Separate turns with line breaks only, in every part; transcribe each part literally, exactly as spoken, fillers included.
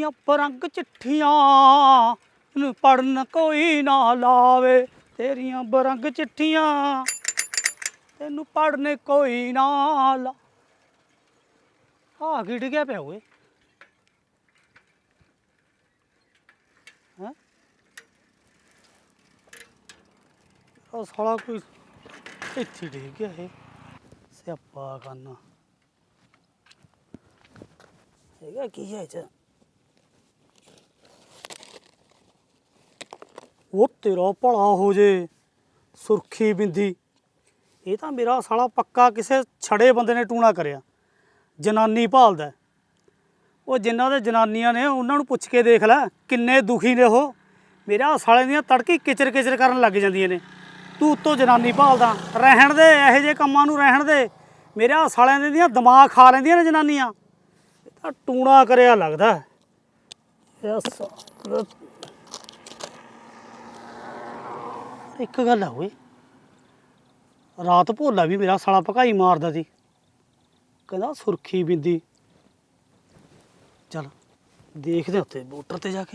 तेरियां बरंग चिट्ठियां नूं पढ़न कोई ना लावे, तेरियां बरंग चिट्ठियां तेनू पढ़ने कोई ना ला। हाँ गिड़ गया पिया हुए साला कोई इत्थे डिग गया है स्यापा करना हैगा की है च वो तेरा भला हो जे सुरखी बिंदी। ये तो मेरा साला पक्का किसी छड़े बंदे ने टूणा करिया, जनानी भालदा। वो जिन्हों दे जनानियां ने उन्होंने पुछ के देख लै किन्ने दुखी ने वो। मेरा साले दियां तड़की किचर किचर करन लग जांदियां ने। तू उत्तों जनानी भालदा, रहन दे इहो जे कम्मां नूं रहन दे। मेरा सालियां दियां दिमाग खा लैंदियां ने जनानियां। टूणा करिया लगदा। एक गल है ओए, रात भोला भी मेरा साला भकाई मारदा सी, कहंदा सुरखी बिंदी। चल देखदे उत्ते मोटर ते जाके।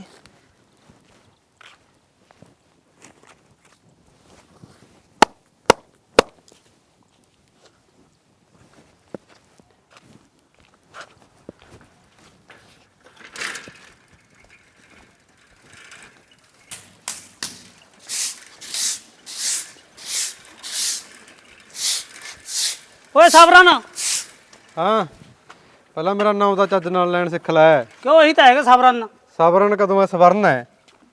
ओए साबराना।
हाँ पहला मेरा नाम का चज नाल लैन सिख लै।
क्यों यही तो है साबराना।
सवਰਨ कदों है? सवर्ण है।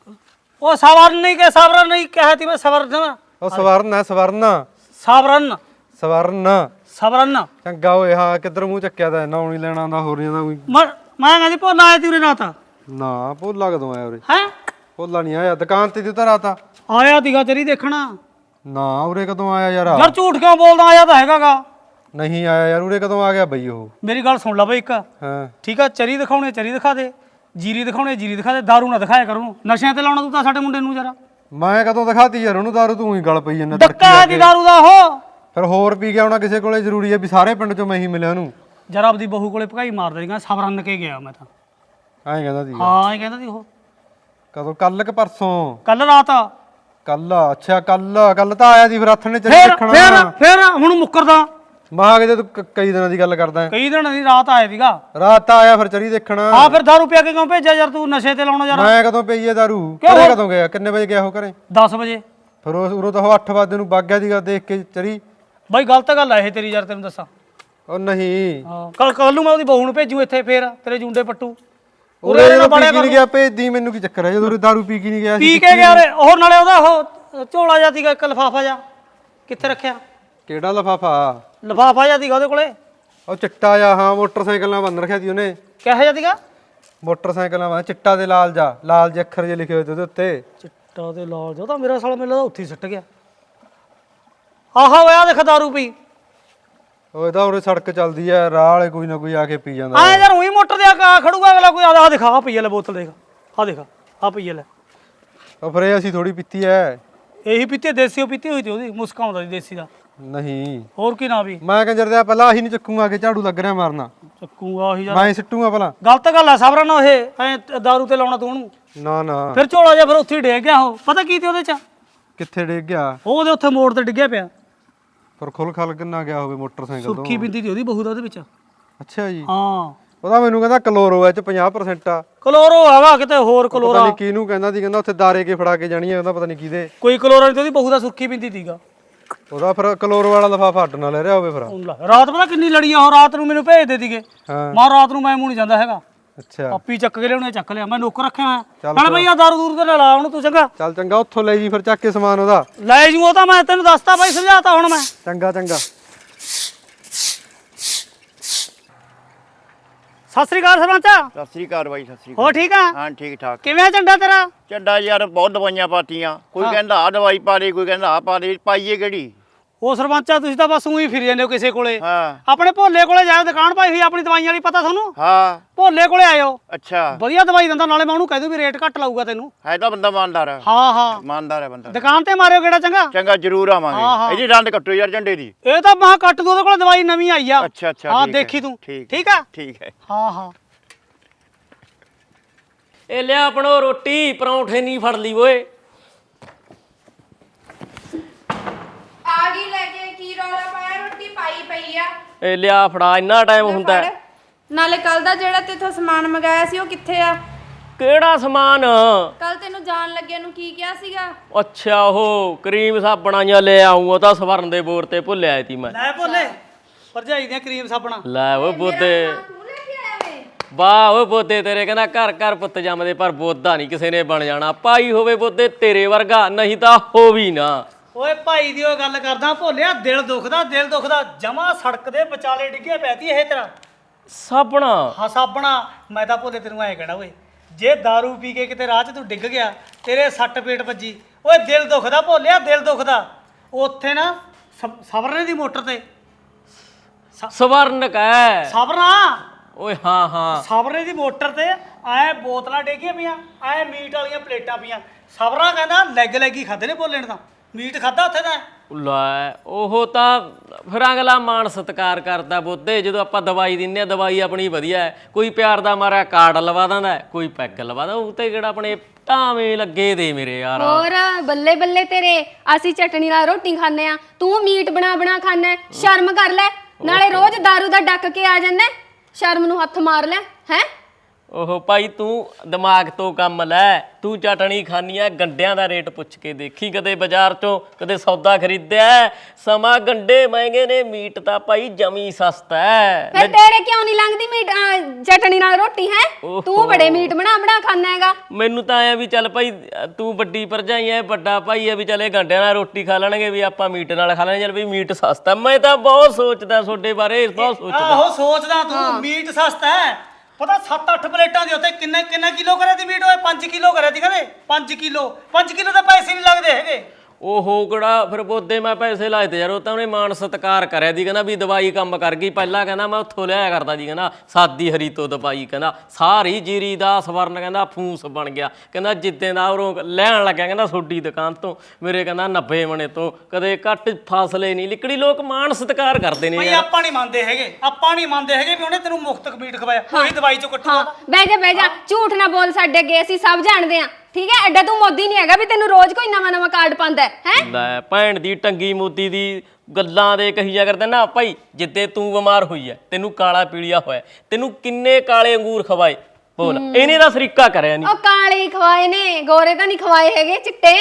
ओ सवर्ण नहीं के सवरण नहीं कहती मैं सवर्ण।
ओ सवर्ण है सवर्ण।
सावरण
सवर्ण
सवरण
चंगा होए। हाँ किधर मूँह चक्या दा नाम नहीं लेना आंदा हो रहा कोई।
मैं कहती भोला आया ती उरे रात।
ना भोला कदों आया उरे?
हैं
भोला नहीं आया, दुकान ते दी रात
आया तीगा तेरी देखना।
ना उरे कदों आया यार?
यार झूठ क्यों बोलदा, आया तो हैगा गा।
नहीं आया यार, उरे कदों आ गया बई वो?
मेरी गल सुन ला बई एक।
हाँ
ठीक है, चरी दिखाने चरी दिखा दे, जीरी दिखाने जीरी दिखा दे, दारू ना दिखाया करूँ। नशे ते लाउणा तू तां साडे मुंडे नूं जरा।
मैं कदों दिखाती यार ओनू दारू? तू ही गल पई जन्ना
धक्का है दी दारू दा हो।
फिर होर पी गया होना किसे कोले, जरूरी है भी सारे पिंड चों मैं ही मिलिया ओनू?
जरा आपदी बहू कोले भगाई मार देगा, सवरन के गया मैं तां।
ਐਂ ਕਹਿੰਦਾ ਸੀ?
ਹਾਂ ਇਹ ਕਹਿੰਦਾ ਸੀ ਉਹ।
ਕਦੋਂ? ਕੱਲ ਕਿ ਪਰਸੋਂ?
ਕੱਲ ਰਾਤ।
ਕੱਲ? ਅੱਛਾ ਕੱਲ ਕੱਲ ਤਾਂ ਆਇਆ ਸੀ ਫਿਰ ਹੱਥ ਨੇ ਚੱਲ
ਫਿਰ
ਦੇਖਣਾ।
ਫਿਰ ਫਿਰ ਹੁਣ ਮੁੱਕਰਦਾ।
ਮਾਂ ਕਿਤੇ ਤੂੰ ਕ- ਕਈ ਦਿਨਾਂ ਦੀ ਗੱਲ ਕਰਦਾ ਹੈ।
ਕਈ ਦਿਨ ਦੀ ਰਾਤ ਆਇਆ ਸੀਗਾ।
ਰਾਤ ਤਾਂ ਆਇਆ ਫਿਰ ਚਰੀ ਦੇਖਣਾ।
ਆ ਫਿਰ ਦਾਰੂ ਪਿਆ ਕੇ ਕਿਉਂ ਭੇਜਿਆ ਯਾਰ ਤੂੰ? ਨਸ਼ੇ ਤੇ ਲਾਉਣਾ ਯਾਰ।
ਮੈਂ ਕਦੋਂ ਪਈ ਹੈ ਦਾਰੂ?
ਕਿਉਂ?
ਘਰੇ ਕਦੋਂ ਗਿਆ? ਕਿੰਨੇ ਵਜੇ ਗਿਆ ਉਹ ਘਰੇ?
ਦਸ ਵਜੇ।
ਫਿਰ ਉਹ ਉਰੋਂ ਤਾਂ ਉਹ ਅੱਠ ਵਜੇ ਨੂੰ ਵਗ ਗਿਆ ਸੀਗਾ ਦੇਖ ਕੇ ਚਰੀ।
ਬਾਈ ਗਲਤ ਗੱਲ ਆ ਇਹ ਤੇਰੀ ਯਾਰ, ਤੈਨੂੰ ਦੱਸਾਂ।
ਉਹ ਨਹੀਂ
ਹਾਂ ਕੱਲ ਕੱਲ ਨੂੰ ਮੈਂ ਉਹਦੀ ਬਹੂ ਨੂੰ ਭੇਜੂ ਇੱਥੇ, ਫੇਰ ਤੇਰੇ ਜੁੰਡੇ ਪੱਟੂ।
ਉਰੇ ਜਦੋਂ ਪੀ ਕੇ ਨਹੀਂ ਗਿਆ ਭੇਜਦੀ ਮੈਨੂੰ ਕੀ ਚੱਕਰ ਹੈ? ਜਦੋਂ ਉਰੇ ਦਾਰੂ ਪੀ ਕੇ ਨਹੀਂ ਗਿਆ?
ਪੀ ਕੇ ਗਿਆ ਉਹ ਨਾਲੇ ਉਹਦਾ ਉਹ ਝੋਲਾ ਜਿਹਾ ਸੀਗਾ ਇੱਕ ਲਿਫਾਫਾ ਜਿਹਾ, ਕਿੱਥੇ ਰੱਖਿਆ?
ਕਿਹੜਾ ਲਿਫਾਫਾ?
ਲਿਫਾਫਾ ਜਿਹਾ ਸੀਗਾ ਉਹਦੇ ਕੋਲੇ।
ਉਹ ਚਿੱਟਾ ਜਿਹਾ। ਹਾਂ ਮੋਟਰਸਾਈਕਲ ਨਾਲ ਬੰਨ ਰੱਖਿਆ ਸੀ ਉਹਨੇ।
ਕਿਹੋ ਜਿਹਾ ਸੀਗਾ?
ਮੋਟਰਸਾਈਕਲ ਨਾਲ ਚਿੱਟਾ ਤੇ ਲਾਲ ਜਾ ਲਾਲ ਜਿਹੇ ਅੱਖਰ ਜਿਹੇ ਲਿਖੇ ਹੋਏ ਤੇ ਉਹਦੇ ਉੱਤੇ।
ਚਿੱਟਾ ਤੇ ਲਾਲ ਜਿਹਾ ਤਾਂ ਮੇਰਾ ਸਾਲਾ ਮੈਨੂੰ ਲੱਗਦਾ ਉੱਥੇ ਹੀ ਸੁੱਟ ਗਿਆ। ਆਹਾ ਹੋਇਆ ਦੇਖ ਦਾਰੂ ਪੀ।
ਉਹ ਇਹਦਾ ਉਰੇ ਸੜਕ ਚੱਲਦੀ ਐ, ਰਾਹ ਵਾਲੇ ਕੋਈ ਨਾ ਕੋਈ ਆ ਕੇ ਪੀ ਜਾਂਦਾ।
ਆ ਯਾਰ ਉਹੀ ਮੋਟਰ ਦੇ ਆ ਖੜੂਗਾ ਅਗਲਾ ਕੋਈ। ਆ ਦਿਖਾ ਆ ਪਈ ਲੈ ਬੋਤਲ, ਦੇਖ ਆ ਦੇਖ ਆ ਪਈ ਲੈ।
ਉਹ ਫਿਰ ਇਹ ਅਸੀਂ ਥੋੜੀ ਪੀਤੀ ਐ।
ਇਹੀ ਪੀਤੀ ਦੇਸੀ, ਉਹ ਪੀਤੀ ਹੋਈ ਤੇ ਉਹਦੀ ਮੁਸਕਾ ਆਉਂਦਾ ਸੀ ਦੇਸੀ ਦਾ।
ਨਹੀਂ
ਹੋਰ ਕੀ ਨਾ ਵੀ।
ਮੈਂ ਕੰਜਰ ਦੇ ਪਹਿਲਾਂ ਆਹੀ ਨਹੀਂ ਚੱਕੂਗਾ ਕਿ ਝਾੜੂ ਲੱਗ ਰਿਹਾ ਮਾਰਨਾ।
ਚੱਕੂਗਾ ਉਹੀ ਯਾਰ।
ਮੈਂ ਸਿੱਟੂਗਾ ਪਹਿਲਾਂ।
ਗਲਤ ਗੱਲ ਆ ਸਾਬਰਾ ਨਾ ਇਹ ਐ ਦਾਰੂ ਤੇ ਲਾਉਣਾ ਤੂੰ ਉਹਨੂੰ।
ਨਾ ਨਾ
ਫਿਰ ਝੋਲਾ ਜਿਹਾ ਫਿਰ ਉੱਥੇ ਹੀ ਡੇਗ ਗਿਆ ਉਹ। ਪਤਾ ਕੀ ਤੇ ਉਹਦੇ ਚ?
ਕਿੱਥੇ ਡਿੱਗ ਗਿਆ?
ਉਹ ਉਹਦੇ ਉੱਥੇ ਮੋੜ ਤੇ ਡਿੱਗਿਆ ਪਿਆ।
ਪਰ ਖੁੱਲ ਖਲ ਕਿੰਨਾ ਗਿਆ ਹੋਵੇ ਮੋਟਰਸਾਈਕਲ ਤੋਂ?
ਸੁਰਖੀ ਬਿੰਦੀ ਦੀ ਉਹਦੀ ਬਹੂ ਦਾ ਉਹਦੇ ਵਿੱਚ।
ਅੱਛਾ ਜੀ।
ਹਾਂ
ਉਹਦਾ ਮੈਨੂੰ ਕਹਿੰਦਾ ਕਲੋਰੋ ਐ ਚ ਪੰਜਾਹ ਪ੍ਰਸੈਂਟ ਆ।
ਕਲੋਰੋ ਹੈਗਾ ਕਿਤੇ ਹੋਰ
ਪਤਾ
ਕਲੋਰਾ।
ਨਹੀਂ ਕਿਹਨੂੰ ਕਹਿੰਦਾ ਸੀ, ਕਹਿੰਦਾ ਉੱਥੇ ਦਾਰੇ ਕੇ ਫੜਾ ਕੇ ਜਾਣੀ ਐ, ਉਹਦਾ ਪਤਾ ਨਹੀਂ ਕਿਹਦੇ।
ਕੋਈ ਕਲੋਰਾ ਨਹੀਂ ਤੇ ਉਹਦੀ ਬਹੂ ਦਾ ਸੁਰਖੀ ਬਿੰਦੀ ਸੀਗਾ।
ਉਹਦਾ ਫਿਰ ਕਲੋਰੋ ਵਾਲਾ ਲਿਫਾਫਾ ਅੱਡ ਨਾ ਲੈ ਰਿਹਾ ਹੋਵੇ ਫਿਰ।
ਰਾਤ ਪਤਾ ਕਿੰਨੀ ਲੜੀਆਂ ਉਹ ਰਾਤ ਨੂੰ ਮੈਨੂੰ ਭੇਜਦੇ ਸੀਗੇ।
ਹਾਂ
ਮਾਂ ਰਾਤ ਨੂੰ ਮੈਂ ਮੂੰਹ ਨਹੀਂ ਜਾਂਦਾ ਹੈਗਾ।
ਅੱਛਾ
ਆਪੀ ਚੱਕ ਕੇ ਲਿਆਉਣੇ ਚੱਕ ਲਿਆ, ਮੈਂ ਨੌਕਰ ਰੱਖਿਆ ਹੋਇਆ।
ਚੱਲ
ਨਾਲ ਬਈ ਆ ਦਾਰੂ ਦੂਰ ਤੇ ਲਾ ਉਹਨੂੰ ਤੂੰ। ਚੰਗਾ
ਚੱਲ ਚੰਗਾ ਉੱਥੋਂ ਲੈ ਜੀ ਫਿਰ ਚੱਕ ਕੇ ਸਮਾਨ ਉਹਦਾ।
ਲੈ ਜੂ ਉਹ ਤਾਂ ਮੈਂ ਤੈਨੂੰ ਦੱਸਤਾ ਬਾਈ, ਸਮਝਾਤਾ ਹੁਣ ਮੈਂ।
ਚੰਗਾ ਚੰਗਾ।
ਸਤਿ ਸ੍ਰੀ ਅਕਾਲ ਸਰਪੰਚ।
ਸਤਿ ਸ੍ਰੀ ਅਕਾਲ ਬਾਈ। ਸਤਿ ਸ੍ਰੀ ਅਕਾਲ।
ਹੋ ਠੀਕ ਆ?
ਹਾਂ ਠੀਕ ਠਾਕ।
ਕਿਵੇਂ ਆ ਝੰਡਾ ਤੇਰਾ?
ਚੱਡਾ ਯਾਰ ਬਹੁਤ ਦਵਾਈਆਂ ਪਾਤੀਆਂ। ਕੋਈ ਕਹਿੰਦਾ ਆ ਦਵਾਈ ਪਾ ਦੇ, ਕੋਈ ਕਹਿੰਦਾ ਆ ਪਾ ਦੇ। ਪਾਈਏ ਕਿਹੜੀ?
ਉਹ ਸਰਪੰਚਾ ਤੁਸੀਂ ਤਾਂ ਬਸ ਉਹੀ ਫਿਰ ਜਾਂਦੇ ਹੋ ਕਿਸੇ ਕੋਲੇ।
ਹਾਂ
ਆਪਣੇ ਭੋਲੇ ਕੋਲੇ ਜਾਓ, ਦੁਕਾਨ ਪਾਈ ਹੋਈ ਆਪਣੀ ਦਵਾਈਆਂ ਵਾਲੀ, ਪਤਾ ਤੁਹਾਨੂੰ?
ਹਾਂ
ਭੋਲੇ ਕੋਲੇ ਆਇਓ,
ਅੱਛਾ
ਵਧੀਆ ਦਵਾਈ ਦਿੰਦਾ। ਨਾਲੇ ਮੈਂ ਉਹਨੂੰ ਕਹਿ ਦੂੰ ਵੀ ਰੇਟ ਘੱਟ ਲਾਊਗਾ ਤੈਨੂੰ।
ਹੈ ਤਾਂ ਬੰਦਾ ਇਮਾਨਦਾਰ ਹੈ।
ਹਾਂ ਹਾਂ
ਇਮਾਨਦਾਰ ਹੈ ਬੰਦਾ।
ਦੁਕਾਨ ਤੇ ਮਾਰਿਓ ਕਿਹੜਾ। ਚੰਗਾ
ਚੰਗਾ ਜ਼ਰੂਰ
ਹਾਂ, ਹਾਂ।
ਆਵਾਂਗੇ। ਇਹਦੀ ਡੰਡ ਕੱਟੋ ਯਾਰ ਝੰਡੇ ਦੀ।
ਇਹ ਤਾਂ ਮੈਂ ਕੱਟ ਦੂ, ਉਹਦੇ ਕੋਲੇ ਦਵਾਈ ਨਵੀਂ ਆਈ ਆ।
ਅੱਛਾ ਅੱਛਾ
ਹਾਂ
ਠੀਕ ਹੈ,
ਦੇਖੀ ਤੂੰ।
ਠੀਕ
ਠੀਕ ਆ?
ਠੀਕ ਹੈ।
ਹਾਂ ਹਾਂ
ਇਹ ਲਿਆ ਆਪਣੋ ਰੋਟੀ ਪਰੌਂਠੇ ਨਹੀਂ ਫੜ ਲਈ ਓਏ।
ਆ ਗਈ ਲੈ ਕੇ, ਕੀ ਰੌਲਾ ਪਾਇਆ? ਰੋਟੀ ਪਾਈ ਪਈ ਆ।
ਇਹ ਲਿਆ ਫੜਾ, ਇੰਨਾ ਟਾਈਮ ਹੁੰਦਾ?
ਫੜ। ਨਾਲੇ ਕੱਲ ਦਾ ਜਿਹੜਾ ਤੇਥੋਂ ਸਮਾਨ ਮੰਗਾਇਆ ਸੀ ਉਹ ਕਿੱਥੇ ਆ?
ਕਿਹੜਾ ਸਮਾਨ?
ਕੱਲ ਤੈਨੂੰ ਜਾਣ ਲੱਗਿਆ ਨੂੰ ਕੀ ਕਿਹਾ ਸੀਗਾ?
ਅੱਛਾ ਉਹ ਕਰੀਮ ਸਾਬਣਾਂ ਜਾਂ ਲੈ ਆਉਂ, ਉਹ ਤਾਂ ਸਵਰਨ ਦੇ ਬੋਰ ਤੇ ਭੁੱਲਿਆ ਸੀ ਮੈਂ।
ਲੈ ਭੋਲੇ ਭਰਜਾਈ ਦੀਆਂ ਕਰੀਮ ਸਾਬਣਾ
ਲੈ ਓਏ ਬੋਦੇ,
ਤੂੰ ਲੈ ਕੇ ਆਇਆ ਵੇ?
ਵਾਹ ਓਏ ਬੋਦੇ ਤੇਰੇ ਕਹਿੰਦਾ ਘਰ ਘਰ ਪੁੱਤ ਜੰਮਦੇ, ਪਰ ਬੋਦਾ ਨਹੀਂ ਕਿਸੇ ਨੇ ਬਣ ਜਾਣਾ। ਭਾਈ ਹੋਵੇ ਬੋਦੇ ਤੇਰੇ ਵਰਗਾ, ਨਹੀਂ ਤਾਂ ਹੋ ਵੀ ਨਾ।
ਓਏ ਭਾਈ ਦੀ ਉਹ ਗੱਲ ਕਰਦਾ ਭੋਲਿਆ, ਦਿਲ ਦੁਖਦਾ ਦਿਲ ਦੁਖਦਾ ਜਮਾ ਸੜਕ ਦੇ ਵਿਚਾਲੇ ਡਿੱਗਿਆ ਪਿਆ ਤੀ ਇਹ ਤੇਰਾ
ਸਾਬਣਾ।
ਹਾਂ ਸਾਬਣਾ। ਮੈਂ ਤਾਂ ਭੋਲੇ ਤੈਨੂੰ ਐਂ ਕਹਿਣਾ ਓਏ, ਜੇ दारू ਪੀ ਕੇ ਕਿਤੇ ਰਾਹ 'ਚ ਤੂੰ ਡਿੱਗ ਗਿਆ, ਤੇਰੇ ਸੱਟ ਪੇਟ ਵੱਜੀ, ਓਏ ਦਿਲ ਦੁਖਦਾ ਭੋਲਿਆ, ਦਿਲ ਦੁਖਦਾ। ਉੱਥੇ ਨਾ ਸ- ਸਬਰਨੇ ਦੀ ਮੋਟਰ ਤੇ
ਸਵਰਨ ਕੈ
ਸਬਰਨਾ
ਓਏ, ਹਾਂ ਹਾਂ
ਸਬਰੇ ਦੀ ਮੋਟਰ ਤੇ ਐ ਬੋਤਲਾਂ ਡੇਗੀਆਂ ਪਈਆਂ, ਐ ਮੀਟ ਵਾਲੀਆਂ ਪਲੇਟਾਂ ਪਈਆਂ। ਸਬਰਾ ਕਹਿੰਦਾ ਲੈਗ ਲੈਗ ਹੀ ਖਾਦੇ ਨੇ ਭੋਲੇ ਨੇ, ਤਾਂ ਮੀਟ ਖਾਦਾ ਉੱਥੇ ਤਾਂ।
ਲੈ ਉਹ ਤਾਂ ਫਿਰ ਅਗਲਾ ਮਾਣ ਸਤਿਕਾਰ ਕਰਦਾ ਬੋਦੇ। ਜਦੋਂ ਆਪਾਂ ਦਵਾਈ ਦਿੰਨੇ ਆ, ਦਵਾਈ ਆਪਣੀ ਵਧੀਆ ਹੈ। ਕੋਈ ਪਿਆਰ ਦਾ ਮਾਰਿਆ ਕਾਰਡ ਲਵਾ ਦਿੰਦਾ, ਕੋਈ ਪੈਗ ਲਵਾ ਦਿੰਦਾ, ਉਹ ਤੇ ਕਿਹੜਾ ਆਪਣੇ ਟਾਵੇਂ ਲੱਗੇ ਦੇ ਮੇਰੇ ਯਾਰ।
ਹੋਰ ਬੱਲੇ ਬੱਲੇ ਤੇਰੇ, ਅਸੀਂ ਚਟਣੀ ਨਾਲ ਰੋਟੀ ਖਾਂਦੇ ਆ, ਤੂੰ ਮੀਟ ਬਣਾ ਬਣਾ ਖਾਂਦਾ। ਸ਼ਰਮ ਕਰ ਲੈ, ਨਾਲੇ ਰੋਜ਼ दारू ਦਾ ਡੱਕ ਕੇ ਆ ਜਾਂਦਾ, ਸ਼ਰਮ ਨੂੰ ਹੱਥ ਮਾਰ ਲੈ ਹੈ।
ਉਹ ਭਾਈ ਤੂੰ ਦਿਮਾਗ ਤੋਂ ਕੰਮ ਲੈ, ਤੂੰ ਚਟਣੀ ਖਾਨੀ ਆ, ਗੰਡਿਆਂ ਦਾ ਰੇਟ ਪੁੱਛ ਕੇ ਦੇਖੀ ਕਦੇ ਬਾਜ਼ਾਰ ਚੋਂ, ਕਦੇ ਸੌਦਾ ਖਰੀਦਿਆ। ਸਮਾਂ ਗੰਡੇ ਮਹਿੰਗੇ ਨੇ, ਮੀਟ ਤਾਂ ਭਾਈ ਜਮੀ ਸਸਤਾ ਹੈ।
ਫਿਰ ਤੇਰੇ ਕਿਉਂ ਨਹੀਂ ਲੰਘਦੀ ਮੀਟ ਅਹ, ਚਟਣੀ ਨਾਲ ਰੋਟੀ ਹੈ? ਤੂੰ ਬੜੇ ਮੀਟ ਬਣਾ ਬਣਾ ਖਾਂਦਾ ਹੈਗਾ।
ਮੈਨੂੰ ਤਾਂ ਆਇਆ ਵੀ ਚੱਲ ਭਾਈ ਤੂੰ ਵੱਡੀ ਭਰਜਾਈ ਐ, ਵੱਡਾ ਭਾਈ ਐ, ਵੀ ਚੱਲ ਇਹ ਗੰਡਿਆਂ ਨਾਲ ਰੋਟੀ ਖਾ ਲੈਣਗੇ, ਵੀ ਆਪਾਂ ਮੀਟ ਨਾਲ ਖਾ ਲੈਣਗੇ, ਚੱਲ ਵੀ ਮੀਟ ਸਸਤਾ। ਮੈਂ ਤਾਂ ਬਹੁਤ ਸੋਚਦਾ ਤੁਹਾਡੇ ਬਾਰੇ, ਬਹੁਤ ਸੋਚਦਾ।
ਆਹੋ ਸੋਚਦਾ ਤੂੰ, ਮੀਟ ਸਸਤਾ ਹੈ। ਪਤਾ ਸੱਤ ਅੱਠ ਪਲੇਟਾਂ ਦੇ ਉੱਤੇ ਕਿੰਨੇ ਕਿੰਨਾ ਕਿਲੋ ਕਰਿਆ ਤੀ ਮੀਟ? ਓਏ ਪੰਜ ਕਿਲੋ ਕਰਿਆ ਤੀ ਕਹਿੰਦੇ। ਪੰਜ ਕਿਲੋ ਪੰਜ ਕਿਲੋ ਦੇ ਪੈਸੇ ਨਹੀਂ ਲੱਗਦੇ ਹੈਗੇ।
ਓਹੋ ਕਿਹੜਾ ਫਿਰ ਬੋਦੇ ਮੈਂ ਪੈਸੇ ਲਾਏ ਤੇ ਯਾਰ, ਉਹ ਤਾਂ ਉਹਨੇ ਮਾਣ ਸਤਿਕਾਰ ਕਰਿਆ ਦੀ, ਕਹਿੰਦਾ ਵੀ ਦਵਾਈ ਕੰਮ ਕਰ ਗਈ। ਪਹਿਲਾਂ ਕਹਿੰਦਾ ਮੈਂ ਉੱਥੋਂ ਲਿਆਇਆ ਕਰਦਾ ਜੀ, ਕਹਿੰਦਾ ਸਾਦੀ ਹਰੀ ਤੋਂ ਦਵਾਈ, ਕਹਿੰਦਾ ਸਾਰੀ ਜੀਰੀ ਦਾ ਸਵਰਨ ਕਹਿੰਦਾ ਫੂਸ ਬਣ ਗਿਆ। ਕਹਿੰਦਾ ਜਿੱਦਾਂ ਦਾ ਉਹ ਲੈਣ ਲੱਗਿਆ, ਕਹਿੰਦਾ ਤੁਹਾਡੀ ਦੁਕਾਨ ਤੋਂ ਮੇਰੇ ਕਹਿੰਦਾ ਨੱਬੇ ਮਣੇ ਤੋਂ ਕਦੇ ਘੱਟ ਫਾਸਲੇ ਨਹੀਂ ਲਿਕੜੀ। ਲੋਕ ਮਾਣ ਸਤਿਕਾਰ ਕਰਦੇ ਨੇ
ਭਾਈ
ਯਾਰ।
ਆਪਾਂ ਨਹੀਂ ਮੰਨਦੇ ਹੈਗੇ, ਆਪਾਂ ਨਹੀਂ ਮੰਨਦੇ ਹੈਗੇ ਵੀ ਉਹਨੇ ਤੈਨੂੰ ਮੁਫਤ ਮੀਟ ਖਵਾਇਆ, ਉਹੀ ਦਵਾਈ ਚੋਂ ਕੱਟੂਗਾ।
ਹਾਂ ਬਹਿ ਜਾ ਬਹਿ ਜਾ, ਝੂਠ ਨਾ ਬੋਲ ਸਾਡੇ ਅੱਗੇ, ਅਸੀਂ ਸਭ ਜਾਣਦੇ ਆ। ਠੀਕ ਹੈ, ਐਡਾ ਤੂੰ ਮੋਦੀ ਨਹੀਂ ਹੈਗਾ ਵੀ ਤੈਨੂੰ ਰੋਜ਼ ਕੋਈ ਨਵਾਂ ਨਵਾਂ ਕਾਰਡ ਪਾਉਂਦਾ ਹੈ।
ਲੈ ਭੈਣ ਦੀ ਟੰਗੀ ਮੋਦੀ ਦੀ ਗੱਲਾਂ ਦੇ ਕਹੀ ਜਾ ਕਰਦੇ ਨਾ ਭਾਈ। ਜਿੱਦੇ ਤੂੰ ਬਿਮਾਰ ਹੋਈ ਐ, ਤੈਨੂੰ ਕਾਲਾ ਪੀਲੀਆ ਹੋਇਆ, ਤੈਨੂੰ ਕਿੰਨੇ ਕਾਲੇ ਅੰਗੂਰ ਖਵਾਏ ਬੋਲ, ਇਹਨੇ ਦਾ ਸਰੀਕਾ ਕਰਿਆ ਨਹੀਂ।
ਉਹ ਕਾਲੇ ਹੀ ਖਵਾਏ ਨੇ, ਗੋਰੇ ਤਾਂ ਨਹੀਂ ਖਵਾਏ ਹੈਗੇ, ਚਿੱਟੇ।